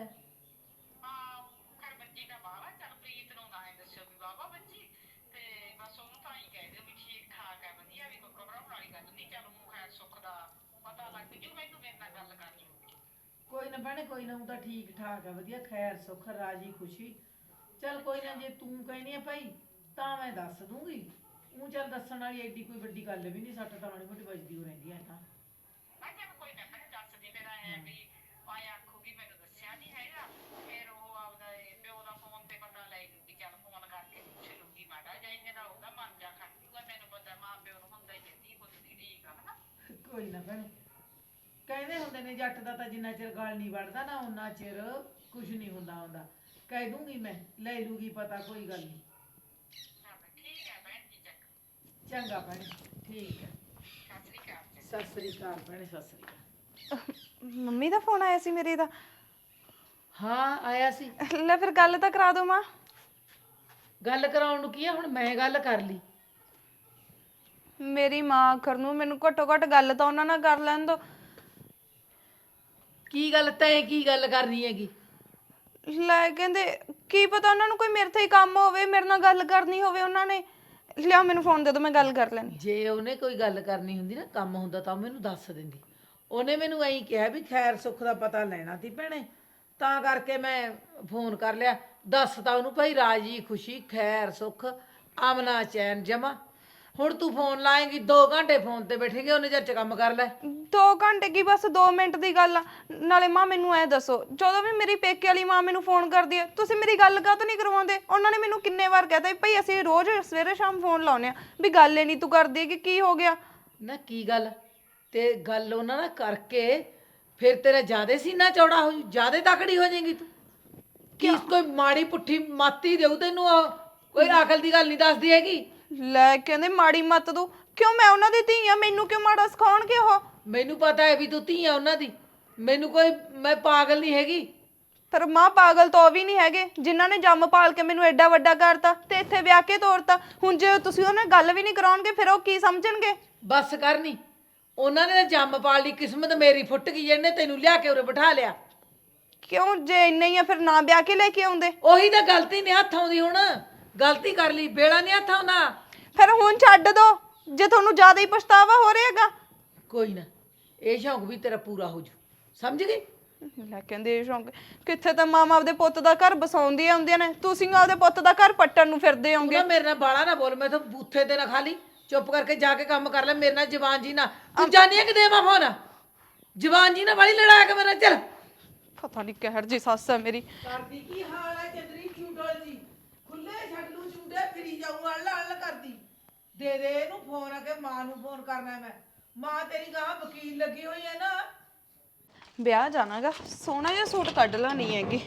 S4: ਹਾਂ ਖੈਰ ਬੱਜੀ ਦਾ ਬਾਵਾ, ਚੱਲ ਪ੍ਰੀਤ ਨੂੰ ਨਾ ਇਹ ਦੱਸਿਓ ਵੀ ਬਾਵਾ ਬੱਜੀ, ਤੇ ਬਸ ਉਹਨੂੰ ਤਾਂ ਹੀ ਕਹਿ ਦਿਓ ਵੀ ਠੀਕ ਠਾਕ ਹੈ, ਵਧੀਆ, ਵੀ ਕੋਈ ਘਬਰਾਉਣ ਵਾਲੀ ਗੱਲ ਨਹੀਂ। ਚੱਲ ਉਹ ਖੈਰ ਸੁੱਖ ਦਾ ਪਤਾ ਲੱਗ ਜੂ, ਮੈਨੂੰ ਮੇਰੇ ਨਾਲ ਗੱਲ ਕਰ ਲੂਗੀ।
S6: ਕੋਈ ਨਾ ਭੈਣੇ, ਕੋਈ ਨਾ, ਉਹ ਤਾਂ ਠੀਕ ਠਾਕ ਹੈ, ਵਧੀਆ, ਖੈਰ ਸੁੱਖ ਰਾਜੀ ਖੁਸ਼ੀ। ਚੱਲ ਕੋਈ ਨਾ, ਜੇ ਤੂੰ ਕਹਿਨੀ ਆ ਭਾਈ ਤਾਂ ਮੈਂ ਦੱਸ ਦੂੰਗੀ। ਉਹ ਚੱਲ ਦੱਸਣ ਵਾਲੀ ਐਡੀ ਕੋਈ ਵੱਡੀ ਗੱਲ ਵੀ ਨਹੀਂ, ਸੱਟ ਤਾਂ ਮਾੜੀ ਮੋਟੀ ਵੱਜਦੀ ਹੋ ਰਹਿੰਦੀ ਹੈ ਤਾਂ।
S4: ਮੈਂ ਕਿਹਾ ਕੋਈ ਨਾ ਭੈਣੇ ਦੱਸ ਦੀ, ਮੇਰਾ ਐ ਵੀ ਆਏ ਆਖੂਗੀ ਮੈਨੂੰ ਦੱਸਿਆ ਨਹੀਂ ਹੈਗਾ, ਫਿਰ ਉਹ ਆਪਦਾ ਇਹ ਪਿਓ ਦਾ ਫੋਨ ਤੇ ਪਤਾ ਲੈ ਲੂਗੀ। ਚੱਲ ਫੋਨ ਕਰਕੇ ਪੁੱਛ ਲੂਗੀ ਮਾੜਾ ਜਿਹਾ, ਇਹਨੇ ਨਾਲ ਉਹਦਾ ਮਨ ਜਾ ਖੜ ਜੂਗਾ। ਮੈਨੂੰ ਪਤਾ ਮਾਂ ਪਿਓ ਨੂੰ ਹੁੰਦਾ ਹੀ ਕਹਿੰਦੀ ਪੁੱਛਦੀ ਠੀਕ ਆ ਹਨਾ।
S6: ਕੋਈ ਨਾ ਭੈਣੇ, ਕਹਿੰਦੇ ਹੁੰਦੇ ਨੇ ਜੱਟ ਦਾ ਤਾਂ ਜਿੰਨਾ ਚਿਰ ਗਲ ਨਹੀਂ ਵੜਦਾ ਨਾ ਉਹਨਾਂ ਚਿਰ ਕੁਝ ਨਹੀਂ ਹੁੰਦਾ ਹੁੰਦਾ। ਕਹਿ ਦੂੰਗੀ ਮੈਂ, ਲੈ ਲੂਗੀ ਪਤਾ, ਕੋਈ ਗੱਲ ਨਹੀਂ।
S4: ਠੀਕ ਹੈ ਭੈਣ ਜੀ, ਚੱਕ
S6: ਚੰਗਾ ਭੈਣੇ, ਠੀਕ ਹੈ।
S4: ਸਤਿ ਸ੍ਰੀ ਅਕਾਲ।
S6: ਸਤਿ ਸ੍ਰੀ ਅਕਾਲ ਭੈਣੇ, ਸਤਿ ਸ੍ਰੀ ਅਕਾਲ।
S5: ਮੰਮੀ ਦਾ ਫੋਨ ਆਇਆ ਸੀ ਮੇਰੇ ਦਾ।
S6: ਹਾਂ ਆਇਆ ਸੀ।
S5: ਲੈ ਫਿਰ ਗੱਲ ਤਾਂ ਕਰਾ ਦਿਓ ਮਾਂ।
S6: ਗੱਲ ਕਰਾਉਣ ਨੂੰ ਕੀ ਆ, ਹੁਣ ਮੈਂ ਗੱਲ ਕਰ ਲਈ।
S5: ਮੇਰੀ ਮਾਂ ਆਖਰ ਨੂੰ ਮੈਨੂੰ ਘੱਟੋ ਘੱਟ ਗੱਲ ਤਾਂ ਉਹਨਾਂ ਨਾਲ ਕਰ ਲੈਣ ਦੋ।
S6: ਕੀ ਗੱਲ, ਤੈਂ ਕੀ ਗੱਲ ਕਰਨੀ ਹੈਗੀ?
S5: ਲੈ ਕਹਿੰਦੇ ਕੀ ਪਤਾ ਉਹਨਾਂ ਨੂੰ ਕੋਈ ਮੇਰੇ ਤੇ ਹੀ ਕੰਮ ਹੋਵੇ, ਮੇਰੇ ਨਾਲ ਗੱਲ ਕਰਨੀ ਹੋਵੇ ਉਹਨਾਂ ਨੇ। ਲਿਆ ਮੈਨੂੰ ਫੋਨ ਦੇ ਦਿਓ, ਮੈਂ ਗੱਲ ਕਰ ਲੈਣੀ।
S6: ਜੇ ਉਹਨੇ ਕੋਈ ਗੱਲ ਕਰਨੀ ਹੁੰਦੀ ਨਾ, ਕੰਮ ਹੁੰਦਾ ਤਾਂ ਉਹ ਮੈਨੂੰ ਦੱਸ ਦਿੰਦੀ। ਉਹਨੇ ਮੈਨੂੰ ਐਂ ਕਿਹਾ ਵੀ ਖੈਰ ਸੁੱਖ ਦਾ ਪਤਾ ਲੈਣਾ ਸੀ ਭੈਣੇ, ਤਾਂ ਕਰਕੇ ਮੈਂ ਫੋਨ ਕਰ ਲਿਆ। ਦੱਸ ਤਾਂ ਉਹਨੂੰ ਭਾਈ ਰਾਜੀ ਖੁਸ਼ੀ, ਖੈਰ ਸੁੱਖ, ਆਮਨਾ ਚੈਨ ਜਮਾ। ਹੁਣ ਤੂੰ ਫੋਨ ਲਾਏਂਗੀ, ਦੋ ਘੰਟੇ ਫੋਨ ਤੇ ਬੈਠੇਂਗੇ, ਉਹਨੇ ਚਿਰ ਚ ਕੰਮ ਕਰ ਲੈ।
S5: ਦੋ ਘੰਟੇ ਕੀ, ਬਸ ਦੋ ਮਿੰਟ ਦੀ ਗੱਲ ਆ। ਨਾਲੇ ਮਾਂ ਮੈਨੂੰ ਐ ਦੱਸੋ, ਜਦੋਂ ਵੀ ਮੇਰੀ ਪੇਕੇ ਵਾਲੀ ਮਾਂ ਮੈਨੂੰ ਫੋਨ ਕਰਦੀ ਹੈ, ਤੁਸੀਂ ਮੇਰੀ ਗੱਲ ਕਾਹਤੋਂ ਨਹੀਂ ਕਰਵਾਉਂਦੇ? ਉਹਨਾਂ ਨੇ ਮੈਨੂੰ ਕਿੰਨੇ ਵਾਰ ਕਹਿਤਾ ਵੀ ਭਾਈ ਅਸੀਂ ਰੋਜ਼ ਸਵੇਰੇ ਸ਼ਾਮ ਫੋਨ ਲਾਉਂਦੇ ਆ, ਵੀ ਗੱਲ ਹੀ ਨਹੀਂ ਤੂੰ ਕਰਦੀ ਕਿ ਕੀ ਹੋ ਗਿਆ।
S6: ਨਾ ਕੀ ਗੱਲ, ਤੇ ਗੱਲ ਉਹਨਾਂ ਨਾਲ ਕਰਕੇ ਫਿਰ ਤੇਰਾ ਜ਼ਿਆਦੇ ਸੀਨਾ ਚੌੜਾ ਹੋ ਜੂ, ਜ਼ਿਆਦੇ ਤਕੜੀ ਹੋ ਜਾਏਗੀ ਤੂੰ। ਕੀ ਕੋਈ ਮਾੜੀ ਪੁੱਠੀ ਮਾਤੀ ਦੇਊ ਤੈਨੂੰ, ਉਹ ਕੋਈ ਅਕਲ ਦੀ ਗੱਲ ਨਹੀਂ ਦੱਸਦੀ ਹੈਗੀ।
S5: ਲੈ ਕਹਿੰਦੇ ਮਾੜੀ ਮੱਤ ਦੂ, ਕਿਉਂ? ਮੈਂ ਉਹਨਾਂ ਦੀ ਧੀ ਆ, ਮੈਨੂੰ ਕਿਉਂ ਮਾੜਾ ਸਿਖਾਉਣਗੇ ਉਹ?
S6: ਮੈਨੂੰ ਪਤਾ ਹੈ ਵੀ ਤੂੰ ਧੀ ਆ ਉਹਨਾਂ ਦੀ, ਮੈਨੂੰ ਕੋਈ, ਮੈਂ ਪਾਗਲ ਨਹੀਂ ਹੈਗੀ।
S5: ਪਰ ਮਾਂ ਪਾਗਲ ਤਾਂ ਉਹ ਵੀ ਨਹੀਂ ਹੈਗੇ ਜਿਨ੍ਹਾਂ ਨੇ ਜੰਮ ਪਾਲ ਕੇ ਮੈਨੂੰ ਐਡਾ ਵੱਡਾ ਕਰਤਾ ਤੇ ਇੱਥੇ ਵਿਆਹ ਕੇ ਤੋਰਤਾ। ਹੁਣ ਜੇ ਤੁਸੀਂ ਉਹਨਾਂ ਗੱਲ ਵੀ ਨਹੀਂ ਕਰਾਉਣਗੇ ਫਿਰ ਉਹ ਕੀ ਸਮਝਣਗੇ?
S6: ਬਸ ਕਰਨੀ, ਉਹਨਾਂ ਨੇ ਤਾਂ ਜੰਮ ਪਾਲ ਲਈ, ਕਿਸਮਤ ਮੇਰੀ ਫੁੱਟ ਗਈ, ਇਹਨੇ ਤੈਨੂੰ ਲਿਆ ਕੇ ਉਰੇ ਬਿਠਾ ਲਿਆ।
S5: ਕਿਉਂ? ਜੇ ਇੰਨਾ ਹੀ ਆ ਫਿਰ ਨਾ ਵਿਆਹ ਕੇ ਲੈ ਕੇ ਆਉਂਦੇ।
S6: ਉਹੀ ਤਾਂ ਗਲਤੀ ਨਹੀਂ ਹੱਥ ਆਉਂਦੀ, ਹੁਣ ਗਲਤੀ ਕਰ ਲਈ, ਬੇੜਾ ਨਹੀਂ ਹੱਥ ਆਉਂਦਾ।
S5: ਫਿਰ ਹੁਣ ਛੱਡ ਦੋ ਜੇ ਤੁਹਾਨੂੰ ਜ਼ਿਆਦਾ ਹੀ ਪਛਤਾਵਾ ਹੋ ਰਿਹਾਗਾ।
S6: ਕੋਈ ਨਾ, ਇਹ ਸ਼ੌਂਕ ਵੀ ਤੇਰਾ ਪੂਰਾ ਹੋ ਜੂ, ਸਮਝ ਗਈ?
S5: ਲੈ ਕਹਿੰਦੇ ਇਹ ਸ਼ੌਂਕ ਕਿੱਥੇ, ਤਾਂ ਮਾਮਾ ਆਪਦੇ ਪੁੱਤ ਦਾ ਘਰ ਬਸਾਉਂਦੀਆਂ ਹੁੰਦੀਆਂ ਨੇ, ਤੁਸੀਂ ਆਪਦੇ ਪੁੱਤ ਦਾ ਘਰ ਪੱਟਣ ਨੂੰ ਫਿਰਦੇ
S6: ਤੂੰ
S5: ਹੋਗੇ।
S6: ਨਾ ਮੇਰੇ ਨਾਲ ਬਾਲਾ ਨਾ ਬੋਲ, ਮੈਂ ਤਾਂ ਬੂਥੇ ਤੇ ਨਾ ਖਾਲੀ, ਚੁੱਪ ਕਰਕੇ ਜਾ ਕੇ ਕੰਮ ਕਰ ਲੈ। ਮੇਰੇ ਨਾਲ ਜਵਾਨ ਜੀ ਨਾ, ਤੂੰ ਜਾਣੀ ਹੈ ਕਿ ਦੇਵਾਂ ਫੋਨ? ਜਵਾਨ ਜੀ ਨਾਲ ਵਾਲੀ ਲੜਾਇਆ ਕੇ ਮੇਰਾ, ਚੱਲ।
S5: ਪਤਾ ਨਹੀਂ ਕਹਿਰ ਜੀ ਸੱਸ ਹੈ ਮੇਰੀ।
S6: ਕਰਦੀ ਕੀ ਹਾਲ ਹੈ ਚੰਦਰੀ ਚੂਡਲ ਜੀ, ਖੁੱਲੇ ਛੱਡ ਲੂ ਚੂਡੇ, ਫਿਰੀ ਜਾਊ ਅੱਲ ਅੱਲ ਕਰਦੀ। ਦੇ ਦੇ ਇਹਨੂੰ ਫੋਨ, ਆ ਕੇ ਮਾਂ ਨੂੰ ਫੋਨ ਕਰਨਾ ਮੈਂ। ਮਾਂ ਤੇਰੀ ਗਾਂ ਵਕੀਲ ਲੱਗੀ ਹੋਈ ਹੈ ਨਾ।
S5: ਵਿਆਹ ਜਾਣਾਗਾ, ਸੋਹਣਾ ਜਿਹਾ ਸੂਟ ਕੱਢ ਲੈਣੀ ਹੈਗੀ।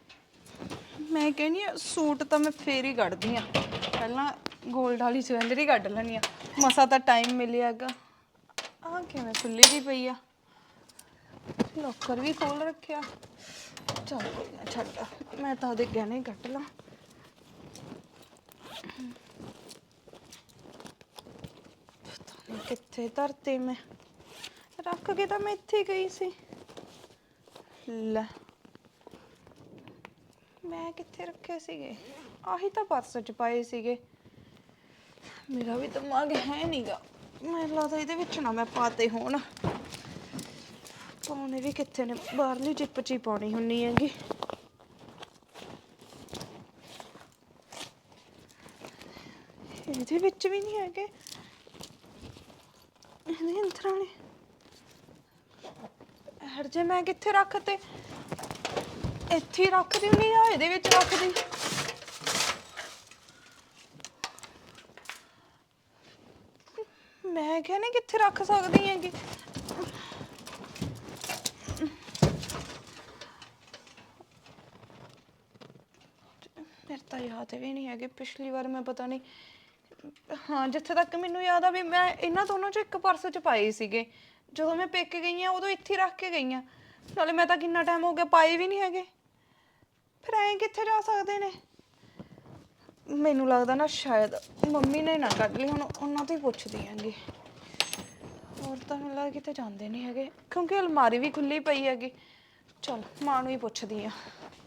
S5: ਮੈਂ ਕਹਿੰਦੀ ਆ ਸੂਟ ਤਾਂ ਮੈਂ ਫੇਰ ਹੀ ਕੱਢਦੀ ਆ, ਪਹਿਲਾਂ ਗੋਲਡ ਵਾਲੀ ਜਵੈਲਰੀ ਕੱਢ ਲੈਣੀ ਆ। ਮਸਾ ਤਾਂ ਟਾਈਮ ਮਿਲਿਆਗਾ। ਆਹ ਕਿਵੇਂ ਖੁੱਲੀ ਜੀ ਪਈ ਆ, ਲੋਕਰ ਵੀ ਖੋਲ ਰੱਖਿਆ। ਚੱਲ ਕੋਈ ਨਾ ਛੱਡ, ਮੈਂ ਤਾਂ ਉਹਦੇ ਗਹਿਣੇ ਕੱਢ ਲਾਂ। ਪਤਾ ਨਹੀਂ ਕਿੱਥੇ ਧਰਤੇ ਮੈਂ ਰੱਖ ਕੇ ਤਾਂ ਮੈਂ ਇੱਥੇ ਗਈ ਸੀ। ਲੈ ਮੈਂ ਕਿੱਥੇ ਰੱਖੇ ਸੀਗੇ? ਆਹੀ ਤਾਂ ਪਰਸ ਚ ਪਾਏ ਸੀਗੇ। ਮੇਰਾ ਵੀ ਦਿਮਾਗ ਹੈ ਨਹੀਂਗਾ, ਮੈਨੂੰ ਲੱਗਦਾ ਇਹਦੇ ਵਿੱਚ ਨਾ ਮੈਂ ਪਾਤੇ ਹੋਣ। ਪਾਉਣੇ ਵੀ ਕਿੱਥੇ ਨੇ, ਬਾਹਰਲੀ ਜਿੱਪ ਚ ਹੀ ਪਾਉਣੀ ਹੁੰਨੀ ਹੈਗੀ। ਇਹਦੇ ਵਿੱਚ ਵੀ ਨਹੀਂ ਹੈਗੇ, ਇਹਦੇ ਅੰਦਰ ਵਾਲੇ ਹਰ ਜੇ ਮੈਂ ਕਿੱਥੇ ਰੱਖਤੇ? ਇੱਥੇ ਹੀ ਰੱਖਦੀ ਹੁੰਨੀ ਆ, ਇਹਦੇ ਵਿੱਚ ਰੱਖਦੀ। ਮੈਂ ਕਿਹਾ ਨਹੀਂ ਕਿੱਥੇ ਰੱਖ ਸਕਦੀ ਹੈਗੀ। ਮੇਰੇ ਤਾਂ ਯਾਦ ਵੀ ਨਹੀਂ ਹੈਗੇ, ਪਿਛਲੀ ਵਾਰ ਮੈਂ ਪਤਾ ਨਹੀਂ, ਹਾਂ ਜਿੱਥੇ ਤੱਕ ਮੈਨੂੰ ਯਾਦ ਆ ਵੀ ਮੈਂ ਇਹਨਾਂ ਦੋਨੋਂ ਚੋਂ ਇੱਕ ਪਰਸ ਚ ਪਾਏ ਸੀਗੇ। ਜਦੋਂ ਮੈਂ ਪੇਕੇ ਗਈ ਆ ਉਦੋਂ ਇੱਥੇ ਰੱਖ ਕੇ ਗਈ ਆ, ਨਾਲੇ ਮੈਂ ਤਾਂ ਕਿੰਨਾ ਟਾਈਮ ਹੋ ਗਿਆ ਪਾਏ ਵੀ ਨਹੀਂ ਹੈਗੇ। ਫਿਰ ਐਂ ਕਿੱਥੇ ਜਾ ਸਕਦੇ ਨੇ? ਮੈਨੂੰ ਲੱਗਦਾ ਨਾ ਸ਼ਾਇਦ ਮੰਮੀ ਨੇ ਨਾ ਕੱਢ ਲਈ, ਹੁਣ ਉਹਨਾਂ ਤੋਂ ਹੀ ਪੁੱਛਦੀ ਆਂਗੀ। ਹੋਰ ਤਾਂ ਮੈਨੂੰ ਲੱਗਦਾ ਕਿਤੇ ਜਾਂਦੇ ਨਹੀਂ ਹੈਗੇ, ਕਿਉਂਕਿ ਅਲਮਾਰੀ ਵੀ ਖੁੱਲੀ ਪਈ ਹੈਗੀ। ਚਲ ਮਾਂ ਨੂੰ ਹੀ ਪੁੱਛਦੀ ਆ।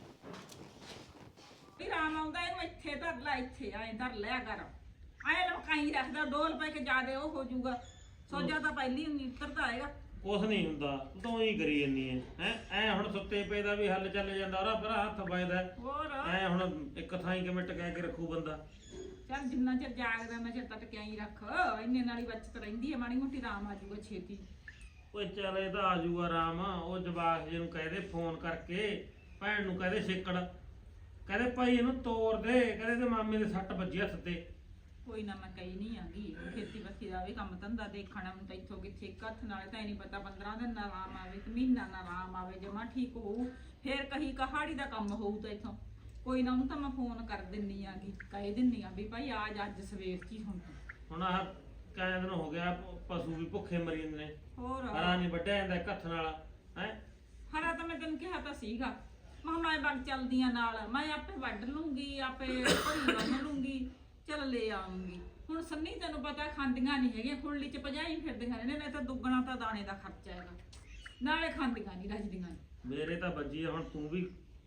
S4: ਵੀ ਰਾਮ ਆਉਂਦਾ ਇਹਨੂੰ ਇੱਥੇ ਧਰ ਲੈ, ਇੱਥੇ ਐਂ ਧਰ ਲਿਆ ਕਰ। ਐਂ ਲਮਕਾਈ ਰੱਖਦਾ, ਦੋ ਰੁਪਏ ਕੇ ਜ਼ਿਆਦੇ ਉਹ ਹੋ ਜਾਊਗਾ। ਸੋਜਾ ਤਾਂ ਪਹਿਲੀ ਨਹੀਂ ਉਤਰਦਾ ਆਏਗਾ।
S1: ਕੁਛ ਨਹੀਂ ਹੁੰਦਾ, ਤੂੰ ਤਾਂ ਉਹੀ ਕਰੀ ਜੰਨੀ ਐ ਹੈ। ਐ ਹੁਣ ਸੁੱਤੇ ਪਏ ਦਾ ਵੀ ਹੱਲ ਚੱਲ ਜਾਂਦਾ, ਉਹਦਾ ਪਰ ਹੱਥ ਵੱਜਦਾ।
S4: ਹੋਰ
S1: ਐ ਹੁਣ ਇੱਕ ਥਾਂ ਹੀ ਕਿਵੇਂ ਟਕਾ ਕੇ ਰੱਖੂ ਬੰਦਾ?
S4: ਚੱਲ ਜਿੰਨਾ ਚਿਰ ਜਾਗਦਾ ਮੈਂ ਚਿਰ ਤਾਂ ਟਕਿਆ ਹੀ ਰੱਖ, ਇੰਨੇ ਨਾਲ ਹੀ ਬਚਤ ਰਹਿੰਦੀ ਹੈ। ਮਾੜੀ ਮੋਟੀ ਆਰਾਮ ਆ ਜਾਊਗਾ ਛੇਤੀ।
S1: ਓਏ ਚੱਲ ਇਹ ਤਾਂ ਆ ਜਾਊਗਾ ਆਰਾਮ। ਉਹ ਜਵਾਕ ਜੀ ਨੂੰ ਕਹਦੇ ਫੋਨ ਕਰਕੇ, ਭੈਣ ਨੂੰ ਕਹਦੇ ਛੇਕੜ, ਕਹਦੇ ਭਾਈ ਇਹਨੂੰ ਤੋੜ ਦੇ, ਕਹਦੇ ਤੇ ਮਾਮੇ ਦੇ ਸੱਟ ਵੱਜੀ ਹੱਥ ਤੇ।
S4: ਕੋਈ ਨਾ, ਮੈਂ ਕਹੀ ਨਹੀਂ ਆਂਗੀ। ਖੇਤੀ ਬੱਤੀ ਦਾ ਵੀ ਕੰਮ ਧੰਦਾ ਦੇਖਣਾ ਹੁਣ ਤਾਂ ਇੱਥੋਂ ਕਿੱਥੇ ਇੱਕ ਹੱਥ ਨਾਲ ਤਾਂ ਨਹੀਂ ਪਤਾ। ਪੰਦਰਾਂ ਦਿਨ ਨਾ ਆਰਾਮ ਆਵੇ ਤੇ ਮਹੀਨਾ ਨਾ ਆਰਾਮ ਆਵੇ, ਜਮਾ ਠੀਕ ਹੋਊ ਫੇਰ ਕਹੀ ਕਹਾੜੀ ਦਾ ਕੰਮ ਹੋਊ ਤਾਂ ਇੱਥੋਂ। ਕੋਈ ਨਾ, ਉਹਨੂੰ ਤਾਂ ਮੈਂ ਫੋਨ ਕਰ ਦਿੰਨੀ ਆਂਗੀ, ਕਹਿ ਦਿੰਨੀ ਆ ਵੀ ਭਾਈ ਆਜ ਅੱਜ ਸਵੇਰ ਚ ਹੀ ਹੁਣ।
S1: ਹੁਣ ਆਹ ਕਈ ਦਿਨ ਹੋ ਗਿਆ ਪਸ਼ੂ ਵੀ ਭੁੱਖੇ ਮਰੀ ਜਾਂਦੇ ਨੇ।
S4: ਹੋਰ
S1: ਹਰਾ ਨਹੀਂ ਵੱਢਿਆ ਜਾਂਦਾ ਇੱਕ ਹੱਥ ਨਾਲ ਹੈ।
S4: ਹਰਾ ਤਾਂ ਮੈਂ ਤੈਨੂੰ ਕਿਹਾ ਤਾਂ ਸੀਗਾ, ਮੈਂ ਮੈਂ ਬਗ ਚੱਲਦੀਆਂ ਨਾਲ, ਮੈਂ ਆਪੇ ਵੱਢ ਲੂੰਗੀ, ਆਪੇ ਭਰੀ ਬੰਨ ਲੂੰਗੀ, ਚੱਲ ਲੈ ਆਉਂਗੀ। ਹੁਣ ਸੰਨੀ ਤੈਨੂੰ ਪਤਾ ਖਾਂਦੀਆਂ ਨਹੀਂ ਹੈਗੀਆਂ, ਖੁਰਲੀ ਚ ਭਜਾਈ ਫਿਰਦੀਆਂ ਨੇ, ਨਹੀਂ ਤਾਂ ਦੁੱਗਣਾ ਤਾਂ ਦਾਣੇ ਦਾ ਖਰਚਾ ਹੈਗਾ, ਨਾਲੇ ਖਾਂਦੀਆਂ ਨਹੀਂ ਰੱਜਦੀਆਂ ਨੀ।
S1: ਮੇਰੇ ਤਾਂ ਵੱਜੀ ਆ, ਹੁਣ ਤੂੰ ਵੀ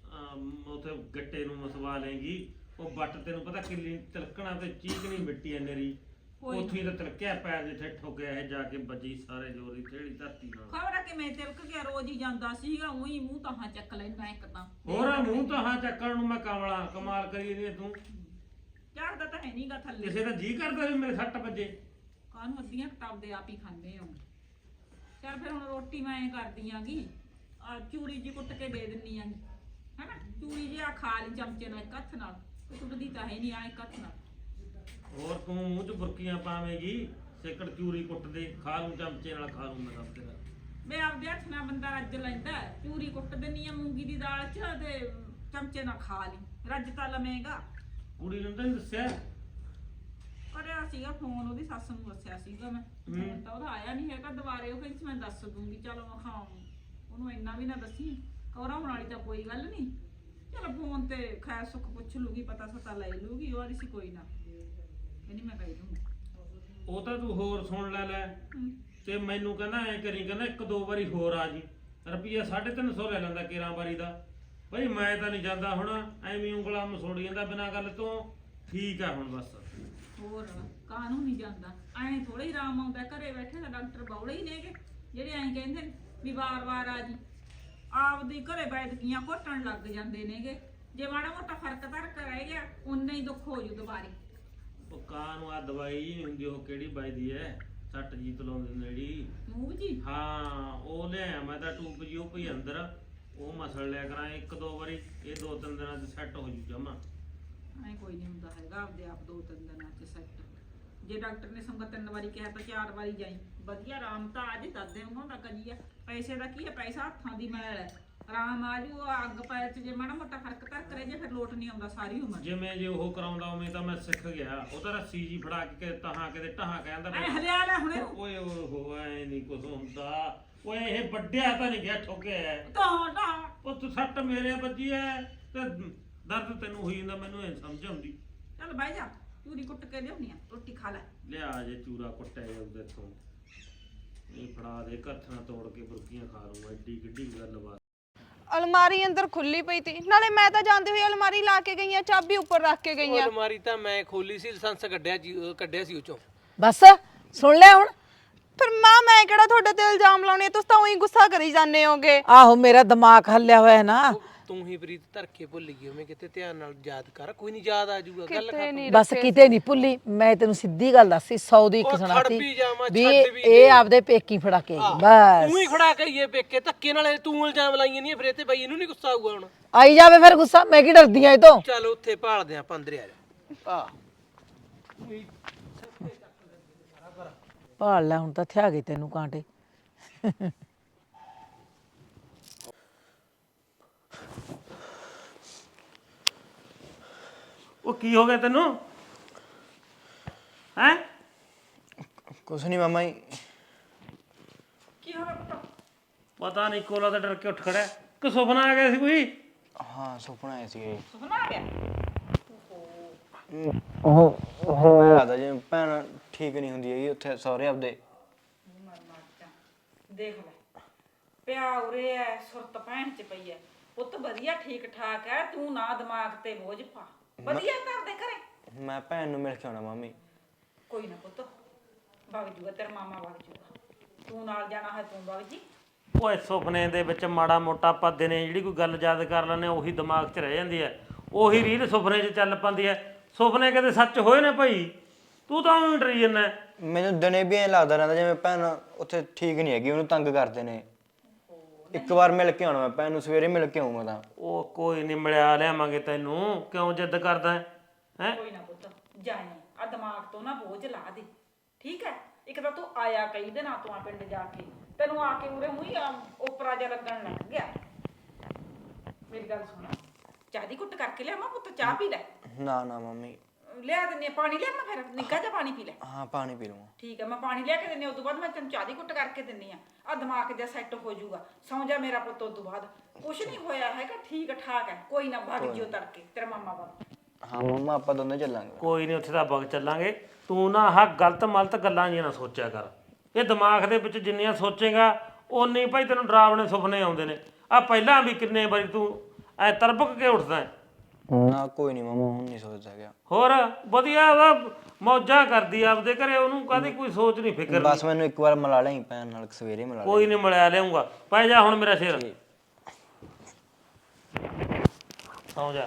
S1: ਉਥੇ ਗੱਟੇ ਨੂੰ ਮਸਵਾ ਲੇਗੀ। ਉਹ ਬੱਟ ਤੈਨੂੰ ਪਤਾ ਕਿੰਨੀ ਤਿਲਕਣਾ ਤੇ ਚੀਕਣੀ ਮਿੱਟੀ ਐ ਨੇਰੀ, ਉੱਥੇ ਤਾਂ ਤਿਲਕਿਆ ਪੈਰ ਜਿੱਥੇ ਠੋਕਿਆ ਇਹ ਜਾ ਕੇ ਵੱਜੀ ਸਾਰੇ ਜੋਰੀ ਥੇੜੀ ਧਰਤੀ ਨਾਲ।
S4: ਖਬਰ ਆ ਕਿਵੇਂ ਤਿਲਕ ਗਿਆ, ਰੋਜ਼ ਹੀ ਜਾਂਦਾ ਸੀਗਾ, ਉਹੀ ਮੂੰਹ ਤਾਹਾਂ ਚੱਕ ਲੈਂਦਾ ਇੱਕ ਤਾਂ।
S1: ਹੋਰ ਮੂੰਹ ਤਾਂ ਹਾਂ ਚੱਕਣ ਨੂੰ ਮੈਂ ਕਮਲਾ ਕਮਾਲ ਕਰੀ ਨਹੀਂ ਤੂੰ।
S4: ਚੜਦਾ ਤਾਂ ਹੈ ਨਹੀਂਗਾ ਥੱਲੇ।
S1: ਕਿਸੇ ਦਾ ਜੀ ਕਰਦਾ ਵੀ ਮੇਰੇ ਸੱਟ ਵੱਜੇ।
S4: ਕਾਹਨੂੰ ਅੱਧੀਆਂ ਕਿਤਾਬ ਦੇ ਆਪ ਹੀ ਖਾਂਦੇ ਹੋ। ਚੱਲ ਫਿਰ ਹੁਣ ਰੋਟੀ ਮੈਂ ਐਂ ਕਰਦੀ ਆਂਗੀ, ਆ ਚੂਰੀ ਜੀ ਕੁੱਟ ਕੇ ਦੇ ਦਿੰਨੀ ਆਂਗੀ, ਹੈਨਾ। ਚੂਰੀ ਜੀ ਆ ਖਾ ਲਈ ਚਮਚੇ ਨਾਲ ਇੱਕ ਹੱਥ ਨਾਲ, ਟੁੱਟਦੀ ਤਾਂ ਹੈ ਨਹੀਂ ਆ ਇੱਕ ਹੱਥ ਨਾਲ।
S1: ਹੋਰ ਤੂੰ ਮੂੰਹ 'ਚ ਬੁਰਕੀਆਂ ਪਾਵੇਂਗੀ, ਸੇਕੜ ਚੂਰੀ ਕੁੱਟ ਦੇ, ਖਾ ਲੂੰ ਚਮਚੇ ਨਾਲ, ਖਾ ਲੂੰ ਮੈਂ ਦੱਸ ਤੇਰਾ।
S4: ਮੈਂ ਆਪਦੇ ਹੱਥ ਨਾਲ ਬੰਦਾ ਰੱਜ ਲੈਂਦਾ, ਚੂਰੀ ਕੁੱਟ ਦਿੰਨੀ ਆ ਮੂੰਗੀ ਦੀ ਦਾਲ 'ਚ ਤੇ ਚਮਚੇ ਨਾਲ ਖਾ ਲਈ, ਰੱਜ ਤਾਂ ਲਵੇਂਗਾ।
S1: ਕੁੜੀ ਨੂੰ ਤਾਂ ਨੀ ਦੱਸਿਆ?
S4: ਕਰਿਆ ਸੀਗਾ ਫੋਨ, ਉਹਦੀ ਸੱਸ ਨੂੰ ਦੱਸਿਆ ਸੀਗਾ ਮੈਂ, ਹੁਣ ਤਾਂ ਉਹਦਾ ਆਇਆ ਨਹੀਂ ਹੈਗਾ ਦੁਬਾਰੇ। ਉਹ ਕਹਿੰਦੀ ਮੈਂ ਦੱਸ ਦੂੰਗੀ, ਚਲੋ ਮੈਂ ਖਾਂ ਉਹਨੂੰ ਇੰਨਾ ਵੀ ਨਾ ਦੱਸੀ, ਘਬਰਾਉਣ ਵਾਲੀ ਤਾਂ ਕੋਈ ਗੱਲ ਨਹੀਂ। ਚਲ ਫੋਨ ਤੇ ਖੈਰ ਸੁੱਖ ਪੁੱਛ ਲੂਗੀ, ਪਤਾ ਸਤਾ ਲੈ ਲੂਗੀ, ਉਹ ਆਦੀ ਸੀ ਕੋਈ ਨਾ, ਕਹਿੰਦੀ ਮੈਂ ਕਹਿ ਦੂੰਗੀ।
S1: ਉਹ ਤਾਂ ਤੂੰ ਹੋਰ ਸੁਣ ਲੈ ਲੈ ਤੇ ਮੈਨੂੰ ਕਹਿੰਦਾ ਐ ਕਰੀ, ਕਹਿੰਦਾ ਇੱਕ ਦੋ ਵਾਰੀ ਹੋਰ ਆ ਜੀ, ਰੁਪਈਆ ਸਾਢੇ ਤਿੰਨ ਸੌ ਲੈ ਲੈਂਦਾ ਕੇਰਾਂ ਵਾਰੀ ਦਾ। ਭਾਈ ਮੈਂ ਤਾਂ ਨਹੀਂ ਜਾਂਦਾ ਹੁਣ, ਐਵੇਂ ਉਂਗਲਾਂ ਮਸੋੜੀ ਜਾਂਦਾ ਬਿਨਾਂ ਗੱਲ ਤੋਂ। ਠੀਕ ਆ ਹੁਣ ਬਸ।
S4: ਹੋਰ ਕਾਹਨੂੰ ਨਹੀਂ ਜਾਂਦਾ, ਐਂ ਥੋੜਾ ਹੀ ਆਰਾਮ ਆਉਂਦਾ ਘਰੇ ਬੈਠੇ ਤਾਂ। ਡਾਕਟਰ ਬੌਲੇ ਹੀ ਨੇਗੇ ਜਿਹੜੇ ਐਂ ਕਹਿੰਦੇ ਨੇ ਵੀ ਵਾਰ-ਵਾਰ ਆ ਜੀ, ਆਪਦੀ ਘਰੇ ਬੈਠਕੀਆਂ ਘੋਟਣ ਲੱਗ ਜਾਂਦੇ ਨੇਗੇ। ਜੇ ਮਾੜਾ ਮੋਟਾ ਫਰਕ ਧਰਕ ਰਹਿ ਗਿਆ, ਉਨਾ ਹੀ ਦੁੱਖ ਹੋ ਜੂ ਦੁਬਾਰੇ।
S1: ਉਹ ਕਾਂ ਨੂੰ ਆ ਦਵਾਈ ਨਹੀਂ ਹੁੰਦੀ, ਉਹ ਕਿਹੜੀ ਵੱਜਦੀ ਐ, ਸੱਟ ਜੀ ਤਲਾਉਂਦੇ ਨੇ ਜਿਹੜੀ।
S4: ਮੂੰਹ ਜੀ
S1: ਹਾਂ ਉਹ ਲਿਆਇਆ ਮੈਂ ਤਾਂ ਟੂਬ ਜੀ, ਉਹ ਪਈ ਅੰਦਰ, ਉਹ ਮਸਲ ਲਿਆ ਕਰਾਂ ਇੱਕ ਦੋ ਵਾਰੀ, ਇਹ ਦੋ ਤਿੰਨ ਦਿਨਾਂ 'ਚ ਸੈੱਟ ਹੋ ਜੂ ਜਮਾ।
S4: ਐਂ ਕੋਈ ਨਹੀਂ ਹੁੰਦਾ ਹੈਗਾ, ਆਪਦੇ ਆਪ ਦੋ ਤਿੰਨ ਦਿਨਾਂ 'ਚ ਸੈੱਟ। ਜੇ ਡਾਕਟਰ ਨੇ ਸੰਗਤ ਤਿੰਨ ਵਾਰੀ ਕਿਹਾ ਤਾਂ ਚਾਰ ਵਾਰੀ ਜਾਈ, ਵਧੀਆ ਆਰਾਮ ਤਾਂ ਅੱਜ ਦੱਸਦੇ ਉਹਨਾਂ ਦਾ ਕਰੀ ਆ। ਪੈਸੇ ਦਾ ਕੀ ਹੈ, ਪੈਸਾ ਹੱਥਾਂ ਦੀ ਮੈਲ ਹੈ, ਆਰਾਮ ਆ ਜੂ। ਅੱਗ ਪੈਰ 'ਚ ਜੇ ਮਾੜਾ ਮੋਟਾ ਫਰਕ ਧਰਕ ਰਹਿ ਜੇ, ਫਿਰ ਲੋਟ ਨਹੀਂ ਆਉਂਦਾ ਸਾਰੀ ਉਮਰ।
S1: ਜਿਵੇਂ ਜੇ ਉਹ ਕਰਾਉਂਦਾ ਉਵੇਂ ਤਾਂ ਮੈਂ ਸਿੱਖ ਗਿਆ। ਉਹ ਤਾਂ ਰੱਸੀ ਜੀ ਫੜਾ ਕੇ ਕਿਤੇ ਤਹਾਂ ਕਿਤੇ ਟਹਾਂ ਕਹਿੰਦਾ
S4: ਐ ਹਰਿਆ ਲੈ ਹੁਣੇ
S1: ਓਏ ਓਏ ਐ ਨਹੀਂ ਕੁਝ ਹੁੰਦਾ। ਓਏ ਇਹ ਵੱਡਿਆ ਤਾਂ ਨਹੀਂ ਗਿਆ, ਠੋਕਿਆ
S4: ਤਾਂ ਤਾਂ
S1: ਉਹ ਤੂੰ ਸੱਟ ਮੇਰੇ ਵੱਜੀ ਐ ਤੇ ਦਰਦ ਤੈਨੂੰ ਹੋਈ ਜਾਂਦਾ, ਮੈਨੂੰ ਇਹ ਸਮਝ ਆਉਂਦੀ।
S4: ਚੱਲ ਬਹਿ ਜਾ, ਚੂਰੀ ਕੁੱਟ ਕੇ ਲਿਆਉਣੀ ਆ, ਰੋਟੀ ਖਾ ਲੈ।
S1: ਲਿਆ ਜੇ ਚੂਰਾ ਕੁੱਟਿਆ ਜਾਊਗਾ ਇੱਥੋਂ ਇਹ ਫੜਾ ਦੇ ਕੱਥਾਂ ਤੋੜ ਕੇ ਬੁਰਕੀਆਂ ਖਾ ਲੂੰਗਾ ਐਡੀ ਕਿੱਡੀ ਗੱਲ ਬਾਤ।
S5: ਅਲਮਾਰੀ ਅੰਦਰ ਖੁੱਲੀ ਪਈ ਤੀ, ਨਾਲੇ ਮੈਂ ਤਾਂ ਜਾਂਦੇ ਹੋਏ ਅਲਮਾਰੀ ਲਾ ਕੇ ਗਈ ਆ, ਚਾਬੀ ਉੱਪਰ ਰੱਖ ਕੇ ਗਈ ਆ।
S2: ਅਲਮਾਰੀ ਤਾਂ ਮੈਂ ਖੋਲੀ ਸੀ, ਲਾਇਸੈਂਸ ਕੱਢਿਆ ਜੀ, ਅਹ ਕੱਢਿਆ ਸੀ ਉਹ ਚੋਂ।
S6: ਬਸ ਸੁਣ ਲਿਆ ਹੁਣ।
S5: ਫਿਰ ਮਾਂ ਮੈਂ ਕਿਹੜਾ ਤੁਹਾਡੇ ਤੇ ਇਲਜ਼ਾਮ ਲਾਉਣੇ, ਤੁਸੀਂ ਤਾਂ ਉਹੀ ਗੁੱਸਾ ਕਰੀ ਜਾਂਦੇ ਹੋਗੇ।
S6: ਆਹੋ ਮੇਰਾ ਦਿਮਾਗ ਹੱਲਿਆ ਹੋਇਆ ਹੈ ਨਾ।
S2: ਤੂੰ ਹੀ ਪ੍ਰੀਤ ਧਰ ਕੇ ਭੁੱਲ ਗਈ ਮੈਂ ਕਿਤੇ ਧਿਆਨ ਨਾਲ ਯਾਦ ਕਰ, ਕੋਈ ਨਹੀਂ ਯਾਦ ਆ ਜਾਊਗਾ ਗੱਲ ਕਰ।
S6: ਬਸ ਕਿਤੇ ਨਹੀਂ ਭੁੱਲੀ, ਮੈਂ ਤੈਨੂੰ ਸਿੱਧੀ ਗੱਲ ਦੱਸੀ, ਸੌ ਦੀ ਇੱਕ
S2: ਉਹ
S6: ਸੁਣਾਤੀ
S2: ਖੜ ਵੀ ਜਾਵਾਂ,
S6: ਵੀ
S2: ਛੱਡ ਵੀ
S6: ਇਹ ਆਪਦੇ ਪੇਕੀ ਫੜਾ ਕੇ ਆਈ। ਬਸ
S2: ਤੂੰ ਹੀ ਖੜਾ ਕਰੀਏ ਪੇਕੇ ਧੱਕੇ ਨਾਲ, ਤੂੰ ਇਲਜ਼ਾਮ ਲਾਈਆਂ ਨਹੀਂ ਫਿਰ ਇਹ ਤੇ ਬਾਈ ਇਹਨੂੰ ਨਹੀਂ ਗੁੱਸਾ ਆਊਗਾ ਹੁਣ।
S6: ਆਈ ਜਾਵੇ ਫਿਰ ਗੁੱਸਾ, ਮੈਂ ਕੀ ਡਰਦੀ ਆ ਇਹ ਤੋਂ।
S2: ਚੱਲ ਉੱਥੇ ਭਾਲਦੇ ਆਪਾਂ, ਅੰਦਰ ਆ ਜਾ। ਆ
S6: ਭਾਲ ਲੈ ਹੁਣ ਤਾਂ ਥਿਆ ਗਏ ਤੈਨੂੰ ਕਾਂਟੇ।
S1: ਉਹ ਕੀ ਹੋ ਗਿਆ ਤੈਨੂੰ ਹੈ?
S7: ਕੁਛ ਨਹੀਂ ਮਾਮਾ ਜੀ।
S1: ਪਤਾ ਨਹੀਂ ਕੋਲਾ ਤਾਂ ਡਰ ਕੇ ਉੱਠ ਖੜਿਆ ਕਿ ਸੁਪਨਾ ਆ ਗਿਆ ਸੀ ਕੋਈ?
S7: ਹਾਂ ਸੁਪਨਾ ਆਇਆ ਸੀਗਾ ਜੀ।
S4: ਸੁਪਨਾ ਆ ਗਿਆ?
S7: ਉਹ ਉਹ ਮੈਂ ਲੱਗਦਾ ਜਿਵੇਂ ਭੈਣ ਠੀਕ ਨਹੀਂ ਹੁੰਦੀ ਹੈਗੀ ਉੱਥੇ ਸਹੁਰੇ ਆਪਦੇ।
S4: ਦੇਖ ਲੈ ਪਿਆ ਉਰੇ ਐ, ਸੁਰਤ ਭੈਣ ਚ ਪਈ ਐ, ਪੁੱਤ ਵਧੀਆ ਠੀਕ ਠਾਕ ਐ, ਤੂੰ ਨਾ ਦਿਮਾਗ ਤੇ ਬੋਝ ਪਾ, ਵਧੀਆ ਕਰਦੇ ਘਰੇ।
S7: ਮੈਂ ਭੈਣ ਨੂੰ ਮਿਲ ਕੇ ਆਉਣਾ ਮਾਮੀ।
S4: ਕੋਈ ਨਾ ਪੁੱਤ, ਵਗ ਜੂਗਾ ਤੇਰਾ ਮਾਮਾ, ਵਗ ਜੂਗਾ, ਤੂੰ ਨਾਲ ਜਾਣਾ ਹੈ ਤੂੰ ਵਗ ਜੀ।
S1: ਓਏ ਸੁਪਨੇ ਦੇ ਵਿੱਚ ਮਾੜਾ ਮੋਟਾ ਆਪਾਂ ਦਿਨੇ ਜਿਹੜੀ ਕੋਈ ਗੱਲ ਯਾਦ ਕਰ ਲੈਂਦੇ ਉਹੀ ਦਿਮਾਗ 'ਚ ਰਹਿ ਜਾਂਦੀ ਹੈ, ਉਹੀ ਰੀਲ ਸੁਪਨੇ 'ਚ ਚੱਲ ਪੈਂਦੀ ਹੈ। ਸੁਪਨੇ ਕਦੇ ਸੱਚ ਹੋਏ ਨੇ ਭਾਈ? ਤੂੰ ਤਾਂ ਉਹਨੂੰ ਡਰੀ ਜਾਂਦਾ।
S7: ਮੈਨੂੰ ਦਿਨੇ ਵੀ ਐਂ ਲੱਗਦਾ ਰਹਿੰਦਾ ਜਿਵੇਂ ਭੈਣ ਉੱਥੇ ਠੀਕ ਨਹੀਂ ਹੈਗੀ, ਉਹਨੂੰ ਤੰਗ ਕਰਦੇ ਨੇ। ਇੱਕ ਵਾਰ ਮਿਲ ਕੇ ਆਉਣਾ ਮੈਂ ਭੈਣ ਨੂੰ, ਸਵੇਰੇ ਮਿਲ ਕੇ ਆਉਂਗਾ ਤਾਂ।
S1: ਉਹ ਕੋਈ ਨਹੀਂ, ਮਿਲਿਆ ਲਿਆਵਾਂਗੇ ਤੈਨੂੰ, ਕਿਉਂ ਜਿੱਦ ਕਰਦਾ ਹੈ?
S4: ਕੋਈ ਨਾ ਪੁੱਤ ਜਾਈ, ਆ ਦਿਮਾਗ ਤੋਂ ਨਾ ਬੋਝ ਲਾ ਦੇ, ਠੀਕ ਹੈ? ਇੱਕ ਤਾਂ ਤੂੰ ਆਇਆ ਕਈ ਦਿਨਾਂ ਤੋਂ ਆ ਪਿੰਡ ਜਾ ਕੇ, ਤੈਨੂੰ ਆ ਕੇ ਉਰੇ ਮੂੰਹ ਓਪਰਾ ਜਿਹਾ ਲੱਗਣ ਲੱਗ ਗਿਆ। ਮੇਰੀ ਗੱਲ ਸੁਣ, ਚਾਹ ਦੀ ਘੁੱਟ ਕਰਕੇ ਲਿਆਵਾਂ ਪੁੱਤ, ਚਾਹ ਪੀ ਲੈ।
S7: ਨਾ ਨਾ ਮੰਮੀ।
S4: ਲਿਆ ਦਿੰਨੀ ਆ ਪਾਣੀ, ਲਿਆ ਮੈਂ ਫਿਰ ਨਿੱਘਾ ਜਿਹਾ ਪਾਣੀ ਪੀ ਲੈ।
S7: ਹਾਂ ਪਾਣੀ ਪੀ ਲਵਾਂ।
S4: ਠੀਕ ਹੈ ਮੈਂ ਪਾਣੀ ਲਿਆ ਕੇ ਦਿੰਨੀ ਆ, ਉਸ ਤੋਂ ਬਾਅਦ ਮੈਂ ਤੈਨੂੰ ਚਾਹ ਦੀ ਘੁੱਟ ਕਰਕੇ ਦਿੰਨੀ ਆ। ਆ ਦਿਮਾਗ ਜਿਹਾ ਸੈੱਟ ਹੋ ਜਾਊਗਾ, ਸੌਂ ਜਾ ਮੇਰਾ ਪੁੱਤ। ਉਸ ਤੋਂ ਬਾਅਦ ਕੁਛ ਨਹੀਂ ਹੋਇਆ ਹੈਗਾ, ਠੀਕ ਠਾਕ ਹੈ, ਕੋਈ ਨਾ ਭੱਗ ਜਿਓ ਤੜਕੇ ਤੇਰਾ ਮਾਮਾ ਬਾਬਾ।
S7: ਹਾਂ ਮੰਮਾ ਆਪਾਂ ਦੋਨੇ ਚੱਲਾਂਗੇ।
S1: ਕੋਈ ਨਹੀਂ, ਉੱਥੇ ਤਾਂ ਬਗ ਚੱਲਾਂਗੇ। ਤੂੰ ਨਾ ਆਹ ਗਲਤ ਮਲਤ ਗੱਲਾਂ ਜੀਆਂ ਨਾ ਸੋਚਿਆ ਕਰ। ਇਹ ਦਿਮਾਗ ਦੇ ਵਿੱਚ ਜਿੰਨੀਆਂ ਸੋਚੇਗਾ ਓਨੇ ਭਾਈ ਤੈਨੂੰ ਡਰਾਵਣੇ ਸੁਪਨੇ ਆਉਂਦੇ ਨੇ। ਆ ਪਹਿਲਾਂ ਵੀ ਕਿੰਨੇ ਵਾਰੀ ਤੂੰ ਐ ਤਰਪਕ ਕੇ ਉੱਠਦਾ ਹੈ।
S7: ਨਾ ਕੋਈ ਨਹੀਂ ਮਾਮਾ, ਹੁਣ ਨਹੀਂ ਸੋਚਦਾ ਗਿਆ।
S1: ਹੋਰ ਵਧੀਆ ਉਹਦਾ ਮੌਜਾਂ ਕਰਦੀ ਆਪਦੇ ਘਰੇ, ਉਹਨੂੰ ਕਾਹਦੀ ਕੋਈ ਸੋਚ ਨਹੀਂ ਫਿਕਰ ਨਹੀਂ।
S7: ਬਸ ਮੈਨੂੰ ਇੱਕ ਵਾਰ ਮਿਲਾ ਲਈ ਭੈਣ ਨਾਲ, ਸਵੇਰੇ ਮਿਲਾ ਲਈ।
S1: ਕੋਈ ਨਹੀਂ, ਮਿਲਿਆ ਲਿਆਉਂਗਾ। ਪੈ ਜਾ ਹੁਣ ਮੇਰਾ ਸ਼ੇਰ, ਸੌਂ ਜਾ।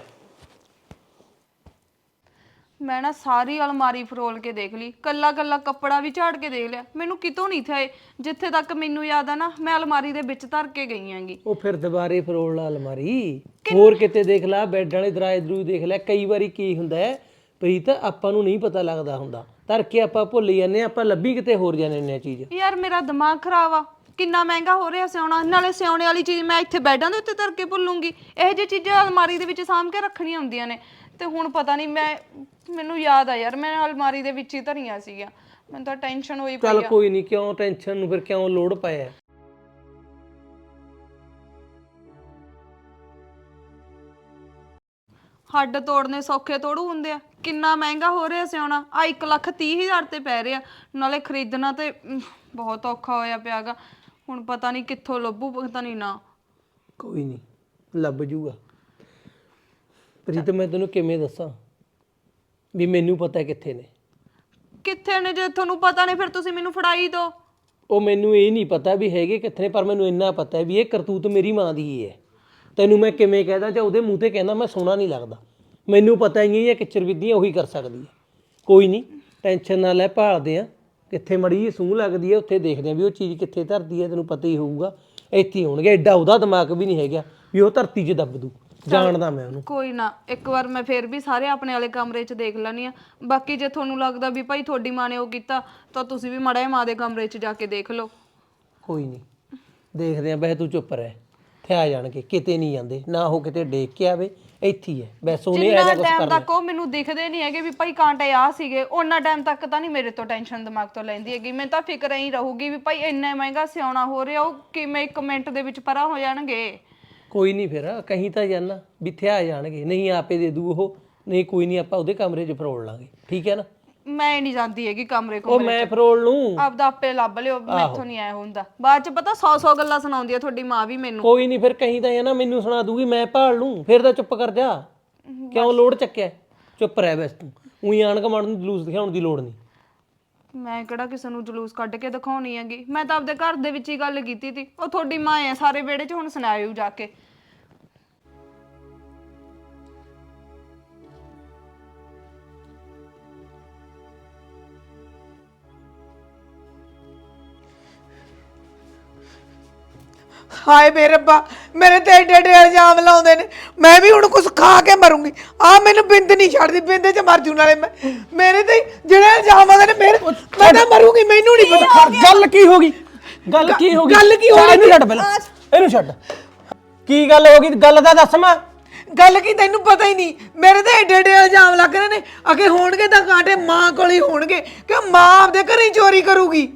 S5: ਮੈਂ ਨਾ ਸਾਰੀ ਅਲਮਾਰੀ ਫਰੋਲ ਕੇ ਦੇਖ ਲਈ, ਕੱਲਾ ਕੱਲਾ ਕੱਪੜਾ ਵੀ ਝਾੜ ਕੇ ਦੇਖ ਲਿਆ, ਮੈਨੂੰ ਕਿਤੋਂ ਨਹੀਂ ਥਾਏ। ਜਿੱਥੇ ਤੱਕ ਮੈਨੂੰ ਯਾਦ ਆ ਨਾ, ਮੈਂ ਅਲਮਾਰੀ ਦੇ ਵਿੱਚ ਧਰ ਕੇ ਗਈ ਆਂਗੀ।
S2: ਉਹ ਫਿਰ ਦੁਬਾਰੇ ਫਰੋਲ ਲਾ ਅਲਮਾਰੀ, ਹੋਰ ਕਿਤੇ ਦੇਖ ਲੈ, ਬੈੱਡ ਵਾਲੇ ਦਰਾਜ ਦਰੂ ਦੇਖ ਲੈ। ਕਈ ਵਾਰੀ ਕੀ ਹੁੰਦਾ ਹੈ ਪ੍ਰੀਤ, ਆਪਾਂ ਨੂੰ ਨਹੀਂ ਪਤਾ ਲੱਗਦਾ ਹੁੰਦਾ, ਧਰ ਕੇ ਆਪਾਂ ਭੁੱਲ ਜਾਂਦੇ, ਆਪਾਂ ਲੱਭੀ ਕਿਤੇ ਹੋਰ ਜਾਂਦੇ ਨੇ ਚੀਜ਼।
S5: ਯਾਰ ਮੇਰਾ ਦਿਮਾਗ ਖਰਾਬ ਆ, ਕਿੰਨਾ ਮਹਿੰਗਾ ਹੋ ਰਿਹਾ ਸਿਉਣਾ, ਨਾਲੇ ਸਿਉਣੇ ਵਾਲੀ ਚੀਜ਼ ਮੈਂ ਇੱਥੇ ਬੈੱਡਾਂ ਦੇ ਉੱਤੇ ਧਰ ਕੇ ਭੁੱਲੂੰਗੀ। ਇਹੋ ਜਿਹੀ ਚੀਜ਼ਾਂ ਅਲਮਾਰੀ ਦੇ ਵਿੱਚ ਸਾਂਭ ਕੇ ਰੱਖਣੀਆਂ ਹੁੰਦੀਆਂ ਨੇ। ਤੇ ਹੁਣ ਪਤਾ ਨਹੀਂ, ਮੈਂ ਮੈਨੂੰ ਯਾਦ ਆ ਯਾਰ, ਮੈਂ ਅਲਮਾਰੀ ਦੇ ਵਿੱਚ ਹੀ ਧਰੀਆਂ ਸੀਗੀਆਂ। ਮੈਨੂੰ ਤਾਂ ਟੈਨਸ਼ਨ ਹੋਈ ਪਈ
S2: ਚੱਲ
S5: ਆ।
S2: ਕੋਈ ਨਹੀਂ, ਕਿਉਂ ਟੈਨਸ਼ਨ ਨੂੰ ਫਿਰ ਕਿਉਂ ਲੋੜ ਪਾਇਆ?
S5: ਹੱਡ ਤੋੜਨੇ ਸੌਖੇ ਤੋੜੂ ਹੁੰਦੇ ਆ। ਕਿੰਨਾ ਮਹਿੰਗਾ ਹੋ ਰਿਹਾ ਸਿਉਣਾ, ਆ ਇੱਕ ਲੱਖ ਤੀਹ ਹਜ਼ਾਰ ਤੇ ਪੈ ਰਿਹਾ, ਨਾਲੇ ਖਰੀਦਣਾ ਤੇ ਅਮ, ਬਹੁਤ ਔਖਾ ਹੋਇਆ ਪਿਆਗਾ। ਹੁਣ ਪਤਾ ਨਹੀਂ ਕਿੱਥੋਂ ਲੱਭੂ, ਪਤਾ ਨਹੀਂ ਨਾ।
S2: ਕੋਈ ਨਹੀਂ, ਲੱਭ ਜੂਗਾ। ਪ੍ਰੀਤ ਮੈਂ ਤੈਨੂੰ ਕਿਵੇਂ ਦੱਸਾਂ ਵੀ ਮੈਨੂੰ ਪਤਾ ਕਿੱਥੇ ਨੇ।
S5: ਕਿੱਥੇ ਨੇ? ਜੇ ਤੁਹਾਨੂੰ ਪਤਾ ਨਹੀਂ ਫਿਰ ਤੁਸੀਂ ਮੈਨੂੰ ਫੜਾਈ ਦਿਓ।
S2: ਉਹ ਮੈਨੂੰ ਇਹ ਨਹੀਂ ਪਤਾ ਵੀ ਹੈਗੇ ਕਿੱਥੇ ਨੇ, ਪਰ ਮੈਨੂੰ ਇੰਨਾ ਪਤਾ ਵੀ ਇਹ ਕਰਤੂਤ ਮੇਰੀ ਮਾਂ ਦੀ ਹੀ ਹੈ। ਤੈਨੂੰ ਮੈਂ ਕਿਵੇਂ ਕਹਿਦਾ, ਜਾਂ ਉਹਦੇ ਮੂੰਹ ਤੇ ਕਹਿੰਦਾ ਮੈਂ ਸੋਹਣਾ ਨਹੀਂ ਲੱਗਦਾ। ਮੈਨੂੰ ਪਤਾ ਹੀ ਹੈ ਕਿਚਰ ਵਿਧੀਆਂ ਉਹੀ ਕਰ ਸਕਦੀ ਹੈ। ਕੋਈ ਨਹੀਂ, ਟੈਨਸ਼ਨ ਨਾ ਲੈ, ਭਾਲਦੇ ਆ ਕਿੱਥੇ ਮੜੀ ਜੀ ਸੂਹ ਲੱਗਦੀ ਹੈ, ਉੱਥੇ ਦੇਖਦੇ ਆ ਵੀ ਉਹ ਚੀਜ਼ ਕਿੱਥੇ ਧਰਦੀ ਹੈ। ਤੈਨੂੰ ਪਤਾ ਹੀ ਹੋਊਗਾ, ਇੱਥੇ ਹੋਣਗੇ। ਐਡਾ ਉਹਦਾ ਦਿਮਾਗ ਵੀ ਨਹੀਂ ਹੈਗਾ ਵੀ ਉਹ ਧਰਤੀ 'ਚ ਦੱਬ ਦੂ, ਜਾਣਦਾ ਮੈਂ ਉਹਨੂੰ।
S5: ਕੋਈ ਨਾ, ਇੱਕ ਵਾਰ ਮੈਂ ਫੇਰ ਵੀ ਸਾਰੇ ਆਪਣੇ ਵਾਲੇ ਕਮਰੇ 'ਚ ਦੇਖ ਲੈਣੀ ਆ। ਬਾਕੀ ਜੇ ਤੁਹਾਨੂੰ ਲੱਗਦਾ ਵੀ ਭਾਈ ਤੁਹਾਡੀ ਮਾਂ ਨੇ ਉਹ ਕੀਤਾ, ਤਾਂ ਤੁਸੀਂ ਵੀ ਮਾੜਾ ਜਿਹਾ ਮਾਂ ਦੇ ਕਮਰੇ 'ਚ ਜਾ ਕੇ ਦੇਖ ਲਓ।
S2: ਕੋਈ ਨਹੀਂ, ਦੇਖਦੇ ਆ। ਵੈਸੇ ਤੂੰ ਚੁੱਪ ਰਹਿ, ਇੱਥੇ ਆ ਜਾਣਗੇ, ਕਿਤੇ ਨਹੀਂ ਜਾਂਦੇ ਨਾ। ਉਹ ਕਿਤੇ ਡੇਕ ਕੇ ਆਵੇ, ਇੱਥੇ ਹੀ ਹੈ ਬਸ। ਉਹਨੇ
S5: ਜਿੰਨਾ
S2: ਐਜਾ ਕੁਝ
S5: ਟਾਈਮ
S2: ਕਰਨਾ।
S5: ਤੱਕ ਉਹ ਮੈਨੂੰ ਦਿਖਦੇ ਨਹੀਂ ਹੈਗੇ ਵੀ ਭਾਈ ਕਾਂਟੇ ਆ ਸੀਗੇ, ਉਹਨਾਂ ਟਾਈਮ ਤੱਕ ਤਾਂ ਨਹੀਂ ਮੇਰੇ ਤੋਂ ਟੈਨਸ਼ਨ ਦਿਮਾਗ ਤੋਂ ਲੈਂਦੀ ਹੈਗੀ। ਮੈਨੂੰ ਤਾਂ ਫਿਕਰ ਹੀ ਰਹੂਗੀ ਵੀ ਭਾਈ ਇੰਨਾ ਮਹਿੰਗਾ ਸਿਉਣਾ ਹੋ ਰਿਹਾ, ਉਹ ਕਿਵੇਂ ਇੱਕ ਮਿੰਟ ਦੇ ਵਿੱਚ ਪਰਾਂ ਹੋ ਜਾਣਗੇ।
S2: ਕੋਈ ਨਹੀਂ, ਫਿਰ ਕਹੀਂ ਤਾਂ ਜਾਣਾ ਵੀ ਇੱਥੇ ਆ ਜਾਣਗੇ। ਨਹੀਂ ਆਪੇ ਦੇ ਦੂ ਉਹ, ਨਹੀਂ ਕੋਈ ਨਹੀਂ, ਆਪਾਂ ਉਹਦੇ ਕਮਰੇ 'ਚ ਫਰੋੜ ਲਾਂਗੇ, ਠੀਕ ਹੈ ਨਾ?
S5: ਮੈਂ ਨਹੀਂ ਜਾਂਦੀ ਹੈਗੀ ਕਮਰੇ
S2: ਉਹ
S5: ਕੋਲ
S2: ਮੈਂ ਫਰੋਲ ਲੂੰ।
S5: ਆਪਦਾ ਆਪੇ ਲੱਭ ਲਿਓ, ਮੈਥੋਂ ਨਹੀਂ ਆਇਆ ਹੁੰਦਾ। ਬਾਅਦ ਚ ਪਤਾ ਸੌ ਸੌ ਗੱਲਾਂ ਸੁਣਾਉਂਦੀ ਆ ਤੁਹਾਡੀ ਮਾਂ ਵੀ ਮੈਨੂੰ।
S2: ਕੋਈ ਨਹੀਂ ਫਿਰ ਕਹੀਂ ਤਾਂ ਇਹ ਨਾ ਮੈਨੂੰ ਸੁਣਾ ਦੂਗੀ, ਮੈਂ ਭਾਲ ਲੂੰ। ਫਿਰ ਤਾਂ ਚੁੱਪ ਕਰ ਜਾ, ਕਿਉਂ ਲੋੜ ਚੱਕਿਆ? ਚੁੱਪ ਰਹਿ ਬਸ ਤੂੰ, ਉਹੀ ਆਣ ਕਮਾਂਡ ਨੂੰ ਜਲੂਸ ਦਿਖਾਉਣ ਦੀ ਲੋੜ ਨਹੀਂ।
S5: ਮੈਂ ਕਿਹੜਾ ਕਿਸੇ ਨੂੰ ਜਲੂਸ ਕੱਢ ਕੇ ਦਿਖਾਉਣੀ ਹੈਗੀ, ਮੈਂ ਤਾਂ ਆਪਦੇ ਘਰ ਦੇ ਵਿੱਚ ਹੀ ਗੱਲ ਕੀਤੀ ਸੀ। ਉਹ ਤੁਹਾਡੀ ਮਾਂ ਆ ਸਾਰੇ ਵਿਹੜੇ 'ਚ, ਹੁਣ ਸੁਣਾਇਓ ਜਾ ਕੇ।
S6: ਹਾਏ ਮੇਰੇ ਰੱਬਾ, ਮੇਰੇ ਤੇ ਏਡੇ ਏਡੇ ਇਲਜ਼ਾਮ ਲਾਉਂਦੇ ਨੇ। ਮੈਂ ਵੀ ਹੁਣ ਕੁਝ ਖਾ ਕੇ ਮਰੂੰਗੀ। ਆ ਮੈਨੂੰ ਬਿੰਦ ਨਹੀਂ ਛੱਡਦੀ, ਬਿੰਦੇ 'ਚ ਮਰ ਜੂ ਨਾਲੇ ਮੈਂ। ਮੇਰੇ ਤੇ ਜਿਹੜੇ ਇਲਜ਼ਾਮ ਆਉਂਦੇ ਨੇ ਮੇਰੇ, ਮੈਂ ਤਾਂ ਮਰੂੰਗੀ। ਮੈਨੂੰ ਨਹੀਂ ਪਤਾ
S2: ਗੱਲ ਕੀ ਹੋ ਗਈ, ਗੱਲ ਕੀ ਹੋ ਗਈ,
S6: ਗੱਲ ਕੀ ਹੋ ਗਈ?
S2: ਇਹਨੂੰ ਛੱਡ ਪਹਿਲਾਂ, ਇਹਨੂੰ ਛੱਡ। ਕੀ ਗੱਲ ਹੋ ਗਈ, ਗੱਲ ਤਾਂ ਦੱਸ। ਮੈਂ
S6: ਗੱਲ ਕੀ ਤੈਨੂੰ ਪਤਾ ਹੀ ਨਹੀਂ? ਮੇਰੇ ਤੇ ਏਡੇ ਏਡੇ ਇਲਜ਼ਾਮ ਲੱਗ ਰਹੇ ਨੇ। ਅਗੇ ਹੋਣਗੇ ਤਾਂ ਕਾਂਟੇ ਮਾਂ ਕੋਲ ਹੀ ਹੋਣਗੇ ਕਿ ਮਾਂ ਆਪਦੇ ਘਰੇ ਹੀ ਚੋਰੀ ਕਰੂਗੀ।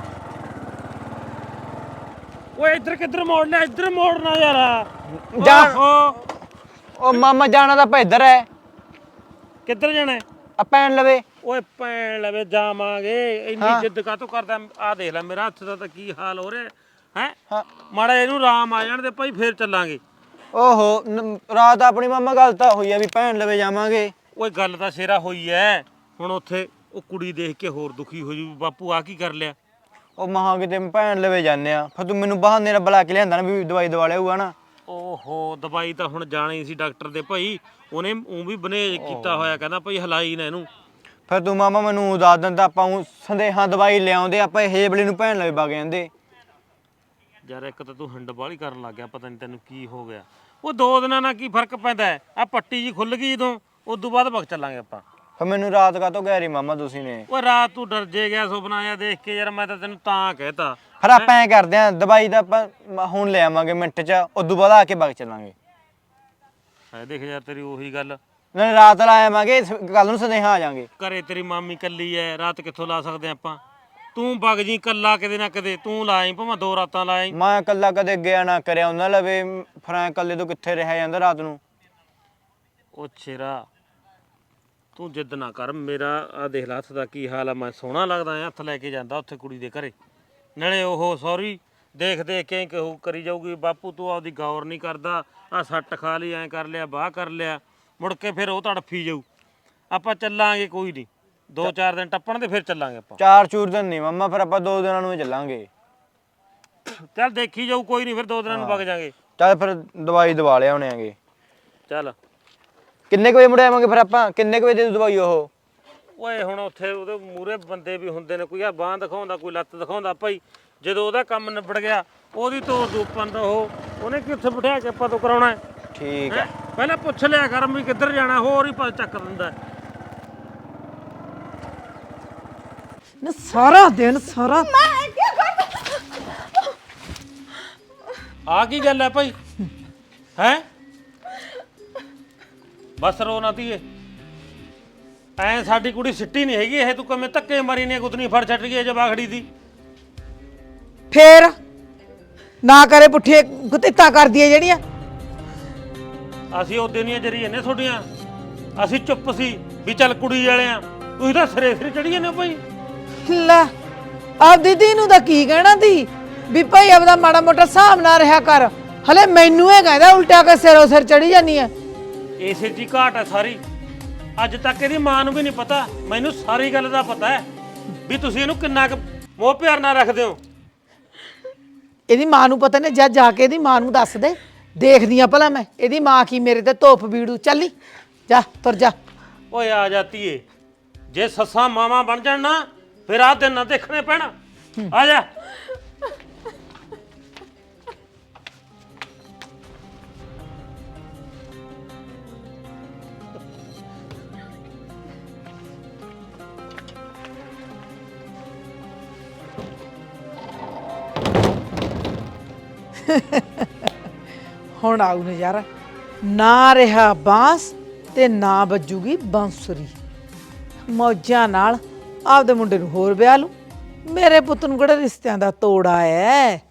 S1: ਓਏ ਇੱਧਰ ਕਿੱਧਰ ਮੋੜਨਾ, ਇੱਧਰ ਮੋੜਨਾ ਯਾਰ।
S7: ਜਾ।
S1: ਓਹੋ,
S7: ਉਹ ਮਾਮਾ ਜਾਣਾ ਤਾਂ ਭੇਦਰ ਹੈ,
S1: ਕਿੱਧਰ ਜਾਣਾ?
S7: ਆ ਪੈਣ ਲਵੇ।
S1: ਓਏ ਭੈਣ ਲਵੇ ਜਾਵਾਂਗੇ। ਇੰਨੀ ਜਿੱਦ ਕਾਹਤੋਂ ਕਰਦਾ? ਆ ਦੇਖ ਲੈ ਮੇਰਾ ਹੱਥ ਦਾ ਤਾਂ ਕੀ ਹਾਲ ਹੋ ਰਿਹਾ ਹੈ।
S7: ਹਾਂ।
S1: ਮਾੜਾ ਇਹਨੂੰ ਰਾਮ ਆ ਜਾਣ ਦੇ ਭਾਈ, ਫੇਰ ਚੱਲਾਂਗੇ।
S7: ਓਹੋ ਨ- ਰਾਤ ਆਪਣੀ ਮਾਮਾ ਗੱਲ ਤਾਂ ਹੋਈ ਆ ਵੀ ਭੈਣ ਲਵੇ ਜਾਵਾਂਗੇ।
S1: ਓਏ ਗੱਲ ਤਾਂ ਸ਼ੇਰਾ ਹੋਈ ਐ। ਹੁਣ ਉੱਥੇ ਉਹ ਕੁੜੀ ਦੇਖ ਕੇ ਹੋਰ ਦੁਖੀ ਹੋ ਜੂ, ਬਾਪੂ ਆ ਕੀ ਕਰ ਲਿਆ।
S7: ਉਹ ਮਹਾਂ ਕਿਤੇ ਭੈਣ ਲਵੇ ਜਾਂਦੇ ਆ, ਫਿਰ ਤੂੰ ਮੈਨੂੰ ਬਹਾਨੇ ਨਾਲ ਬੁਲਾ ਕੇ ਲਿਆਂਦਾ ਨਾ ਵੀ ਦਵਾਈ ਦਵਾ ਲਿਆਊਗਾ ਨਾ।
S1: ਓਹੋ ਦਵਾਈ ਤਾਂ ਹੁਣ ਜਾਣੀ ਸੀ ਡਾਕਟਰ ਦੇ ਭਾਈ, ਉਹਨੇ ਉਹ ਵੀ ਬਨੇਜ ਕੀਤਾ ਹੋਇਆ, ਕਹਿੰਦਾ ਭਾਈ ਹਲਾਈ ਨਾ ਇਹਨੂੰ।
S7: ਫਿਰ ਤੂੰ ਮਾਮਾ ਮੈਨੂੰ ਦੱਸ ਦਿੰਦਾ, ਆਪਾਂ ਉਹ ਸੰਦੇਹਾਂ ਦਵਾਈ ਲਿਆਉਂਦੇ, ਆਪਾਂ ਇਹ ਹੇਬਲੇ ਨੂੰ ਭੈਣ ਲਵੇ ਵਗ ਜਾਂਦੇ।
S1: ਯਾਰ ਇੱਕ ਤਾਂ ਤੂੰ ਹੰਡ ਬਾਹਲੀ ਕਰਨ ਲੱਗ ਗਿਆ, ਪਤਾ ਨਹੀਂ ਤੈਨੂੰ ਕੀ ਹੋ ਗਿਆ। ਉਹ ਦੋ ਦਿਨਾਂ ਨਾਲ ਕੀ ਫਰਕ ਪੈਂਦਾ ਹੈ? ਆ ਪੱਟੀ ਜੀ ਖੁੱਲ ਗਈ ਜਦੋਂ, ਉਦੋਂ ਬਾਅਦ ਵਗ ਚੱਲਾਂਗੇ ਆਪਾਂ।
S7: ਫਿਰ ਮੈਨੂੰ ਰਾਤ ਕਾਹਤੋਂ ਕਹਿ ਰਹੀ ਮਾਮਾ ਤੁਸੀਂ ਨੇ?
S1: ਓਏ ਰਾਤ ਤੂੰ ਡਰ ਜੇ ਗਿਆ ਸੁਪਨਾ ਆਇਆ ਦੇਖ ਕੇ ਯਾਰ, ਮੈਂ ਤਾਂ ਤੈਨੂੰ ਤਾਂ ਕਹਿਤਾ।
S7: ਫਿਰ ਆਪਾਂ ਐਂ ਕਰਦੇ ਆਂ, ਦਵਾਈ ਤਾਂ ਆਪਾਂ ਮ- ਹੁਣ ਲੈ ਆਵਾਂਗੇ ਮਿੰਟ 'ਚ, ਉਦੋਂ ਬਾਅਦ ਆ ਕੇ ਵਗ ਚੱਲਾਂਗੇ।
S1: ਹੈ ਦੇਖ ਯਾਰ ਤੇਰੀ ਉਹੀ ਗੱਲ,
S7: ਨਾਲੇ ਰਾਤ ਲਾ ਆਵਾਂਗੇ, ਕੱਲ ਨੂੰ ਸੰਦੇਹਾਂ ਆ ਜਾਾਂਗੇ।
S1: ਘਰੇ ਤੇਰੀ ਮਾਮੀ ਕੱਲੀ ਐ, ਰਾਤ ਕਿੱਥੋਂ ਲਾ ਸਕਦੇ ਆਪਾਂ? ਤੂੰ ਵਗ ਜੀ ਕੱਲਾ, ਕਿਤੇ ਨਾ ਕਿਤੇ ਤੂੰ ਲਾਈ, ਭਾਵੇਂ ਦੋ ਰਾਤਾਂ ਲਾਈ।
S7: ਮੈਂ ਇਕੱਲਾ ਕਦੇ ਗਿਆ ਨਾ ਕਰਿਆ ਉਹਨਾਂ ਲਵੇ, ਫਿਰ ਐਂ ਇਕੱਲੇ ਤੋਂ ਕਿੱਥੇ ਰਿਹਾ ਜਾਂਦਾ ਰਾਤ ਨੂੰ।
S1: ਉਹ ਛੇਰਾ ਤੂੰ ਜਿੱਦ ਨਾ ਕਰ, ਮੇਰਾ ਆ ਦੇਖ ਲੈ ਹੱਥ ਦਾ ਕੀ ਹਾਲ ਆ। ਮੈਂ ਸੋਹਣਾ ਲੱਗਦਾ ਐ, ਹੱਥ ਲੈ ਕੇ ਜਾਂਦਾ ਉੱਥੇ ਕੁੜੀ ਦੇ ਘਰੇ, ਨਾਲੇ ਉਹ ਸੌਰੀ ਦੇਖ ਦੇਖ ਕੇ ਕਹੂ ਕਰੀ ਜਾਊਗੀ ਬਾਪੂ ਤੂੰ ਆਪਦੀ ਗੌਰ ਨਹੀਂ ਕਰਦਾ, ਆ ਸੱਟ ਖਾ ਲਈ, ਐਂ ਕਰ ਲਿਆ, ਬਾਹ ਕਰ ਲਿਆ, ਮੁੜ ਕੇ ਫਿਰ ਉਹ ਤੜਫੀ ਜਾਊ। ਆਪਾਂ ਚੱਲਾਂਗੇ, ਕੋਈ ਨਹੀਂ, ਦੋ ਚਾਰ ਦਿਨ ਟੱਪਣ ਦੇ ਫਿਰ ਚੱਲਾਂਗੇ ਆਪਾਂ।
S7: ਚਾਰ ਚੂਰ ਦਿਨ ਨਹੀਂ ਮਾਮਾ, ਫਿਰ ਆਪਾਂ ਦੋ ਦਿਨਾਂ ਨੂੰ ਹੀ ਚੱਲਾਂਗੇ।
S1: ਚੱਲ ਦੇਖੀ ਜਾਊ, ਕੋਈ ਨਹੀਂ, ਫਿਰ ਦੋ ਦਿਨਾਂ ਨੂੰ ਵਗ ਜਾਾਂਗੇ।
S7: ਚੱਲ ਫਿਰ ਦਵਾਈ ਦਵਾ ਲਿਆਉਣੇ ਆਂਗੇ।
S1: ਚੱਲ
S7: ਕਿੰਨੇ ਕੁ ਵਜੇ ਮੁੜ ਆਵਾਂਗੇ ਫਿਰ ਆਪਾਂ? ਕਿੰਨੇ ਕੁ ਵਜੇ ਦੇ ਦੂ ਦਵਾਈ ਉਹ?
S1: ਓਏ ਹੁਣ ਉੱਥੇ ਉਹਦੇ ਮੂਹਰੇ ਬੰਦੇ ਵੀ ਹੁੰਦੇ ਨੇ, ਕੋਈ ਆ ਬਾਂਹ ਦਿਖਾਉਂਦਾ, ਕੋਈ ਲੱਤ ਦਿਖਾਉਂਦਾ ਭਾਈ। ਜਦੋਂ ਉਹਦਾ ਕੰਮ ਨਿਬੜ ਗਿਆ, ਉਹਦੀ ਤੋੜ ਦੂ ਪੰਦ। ਉਹ ਉਹਨੇ ਕਿ ਉੱਥੇ ਬਿਠਾ ਕੇ ਆਪਾਂ ਤੋਂ ਕਰਾਉਣਾ।
S7: ਠੀਕ ਹੈ,
S1: ਪਹਿਲਾਂ ਪੁੱਛ ਲਿਆ ਕਰ ਵੀ ਕਿੱਧਰ ਜਾਣਾ, ਹੋਰ ਹੀ ਪਾ ਚੱਕ ਦਿੰਦਾ।
S6: ਨਾ ਸਾਰਾ ਦਿਨ ਸਾਰਾ
S1: ਆ ਕੀ ਗੱਲ ਹੈ ਭਾਈ? ਹੈ ਬਸ ਰੋ ਨਾ ਧੀਏ, ਐ ਸਾਡੀ ਕੁੜੀ ਸਿੱਟੀ ਨਹੀਂ ਹੈਗੀ ਇਹ, ਤੂੰ ਕਿਵੇਂ ਧੱਕੇ ਮਾਰੀ ਨੇ ਗੁੱਤਨੀ ਫੜ ਛੱਡ ਗਈ ਜਵਾਖੜੀ ਦੀ।
S6: ਫੇਰ ਨਾ ਕਰੇ ਪੁੱਠੇ ਗੁੱਤਿੱਤਾ ਕਰਦੀ ਹੈ ਜਿਹੜੀਆਂ।
S1: ਅਸੀਂ ਉਹਦੇ ਦੀਆਂ ਜਰੀਏ ਨੇ ਤੁਹਾਡੀਆਂ, ਅਸੀਂ ਚੁੱਪ ਸੀ ਵੀ ਚੱਲ ਕੁੜੀ ਵਾਲੇ ਆ, ਤੁਸੀਂ ਤਾਂ ਸਿਰੇ ਸਿਰੇ ਚੜੀ ਜਾਂਦੇ ਹੋ ਭਾਈ।
S6: ਲੈ ਆਪ ਦੀਦੀ ਨੂੰ ਤਾਂ ਕੀ ਕਹਿਣਾ ਤੀ ਵੀ ਭਾਈ ਆਪਦਾ ਮਾੜਾ ਮੋਟਾ ਹਿਸਾਬ ਨਾਲ ਰਿਹਾ ਕਰ। ਹਲੇ ਮੈਨੂੰ ਇਹ ਕਹਿੰਦਾ ਉਲਟਾ ਕੇ ਸਿਰੋਂ ਸਿਰ ਚੜੀ ਜਾਨੀ ਹੈ।
S1: ਇਸੇ ਦੀ ਘਾਟ ਹੈ ਸਾਰੀ। ਅੱਜ ਤੱਕ ਇਹਦੀ ਮਾਂ ਨੂੰ ਵੀ ਨਹੀਂ ਪਤਾ, ਮੈਨੂੰ ਸਾਰੀ ਗੱਲ ਦਾ ਪਤਾ ਹੈ ਵੀ ਤੁਸੀਂ ਇਹਨੂੰ ਕਿੰਨਾ ਕੁ ਮੋਹ ਪਿਆਰ ਨਾਲ ਰੱਖਦੇ ਹੋ।
S6: ਇਹਦੀ ਮਾਂ ਨੂੰ ਪਤਾ ਨੇ, ਜਾ ਜਾ ਕੇ ਇਹਦੀ ਮਾਂ ਨੂੰ ਦੱਸ ਦੇ, ਦੇਖਦੀ ਆ ਭਲਾ ਮੈਂ ਇਹਦੀ ਮਾਂ ਕੀ ਮੇਰੇ ਤੇ ਧੋਪ ਬੀੜੂ। ਚੱਲੀ ਜਾ, ਤੁਰ ਜਾ।
S1: ਓਏ ਆ ਜਾਤੀ ਏ, ਜੇ ਸੱਸਾਂ ਮਾਵਾਂ ਬਣ ਜਾਣ ਨਾ ਫਿਰ ਆਹ ਦਿਨ ਨਾ ਦੇਖਣੇ ਪੈਣਾ। ਆ ਜਾ।
S6: ਹੁਣ ਆਉ ਨਜ਼ਾਰਾ, ਨਾ ਰਿਹਾ ਬਾਂਸ ਤੇ ਨਾ ਵੱਜੂਗੀ ਬਾਂਸੁਰੀ। ਮੌਜਾਂ ਨਾਲ ਆਪਦੇ ਮੁੰਡੇ ਨੂੰ ਹੋਰ ਵਿਆਹ ਲੂ। ਮੇਰੇ ਪੁੱਤ ਨੂੰ ਕਿਹੜਾ ਰਿਸ਼ਤਿਆਂ ਦਾ ਤੋੜਾ ਐ।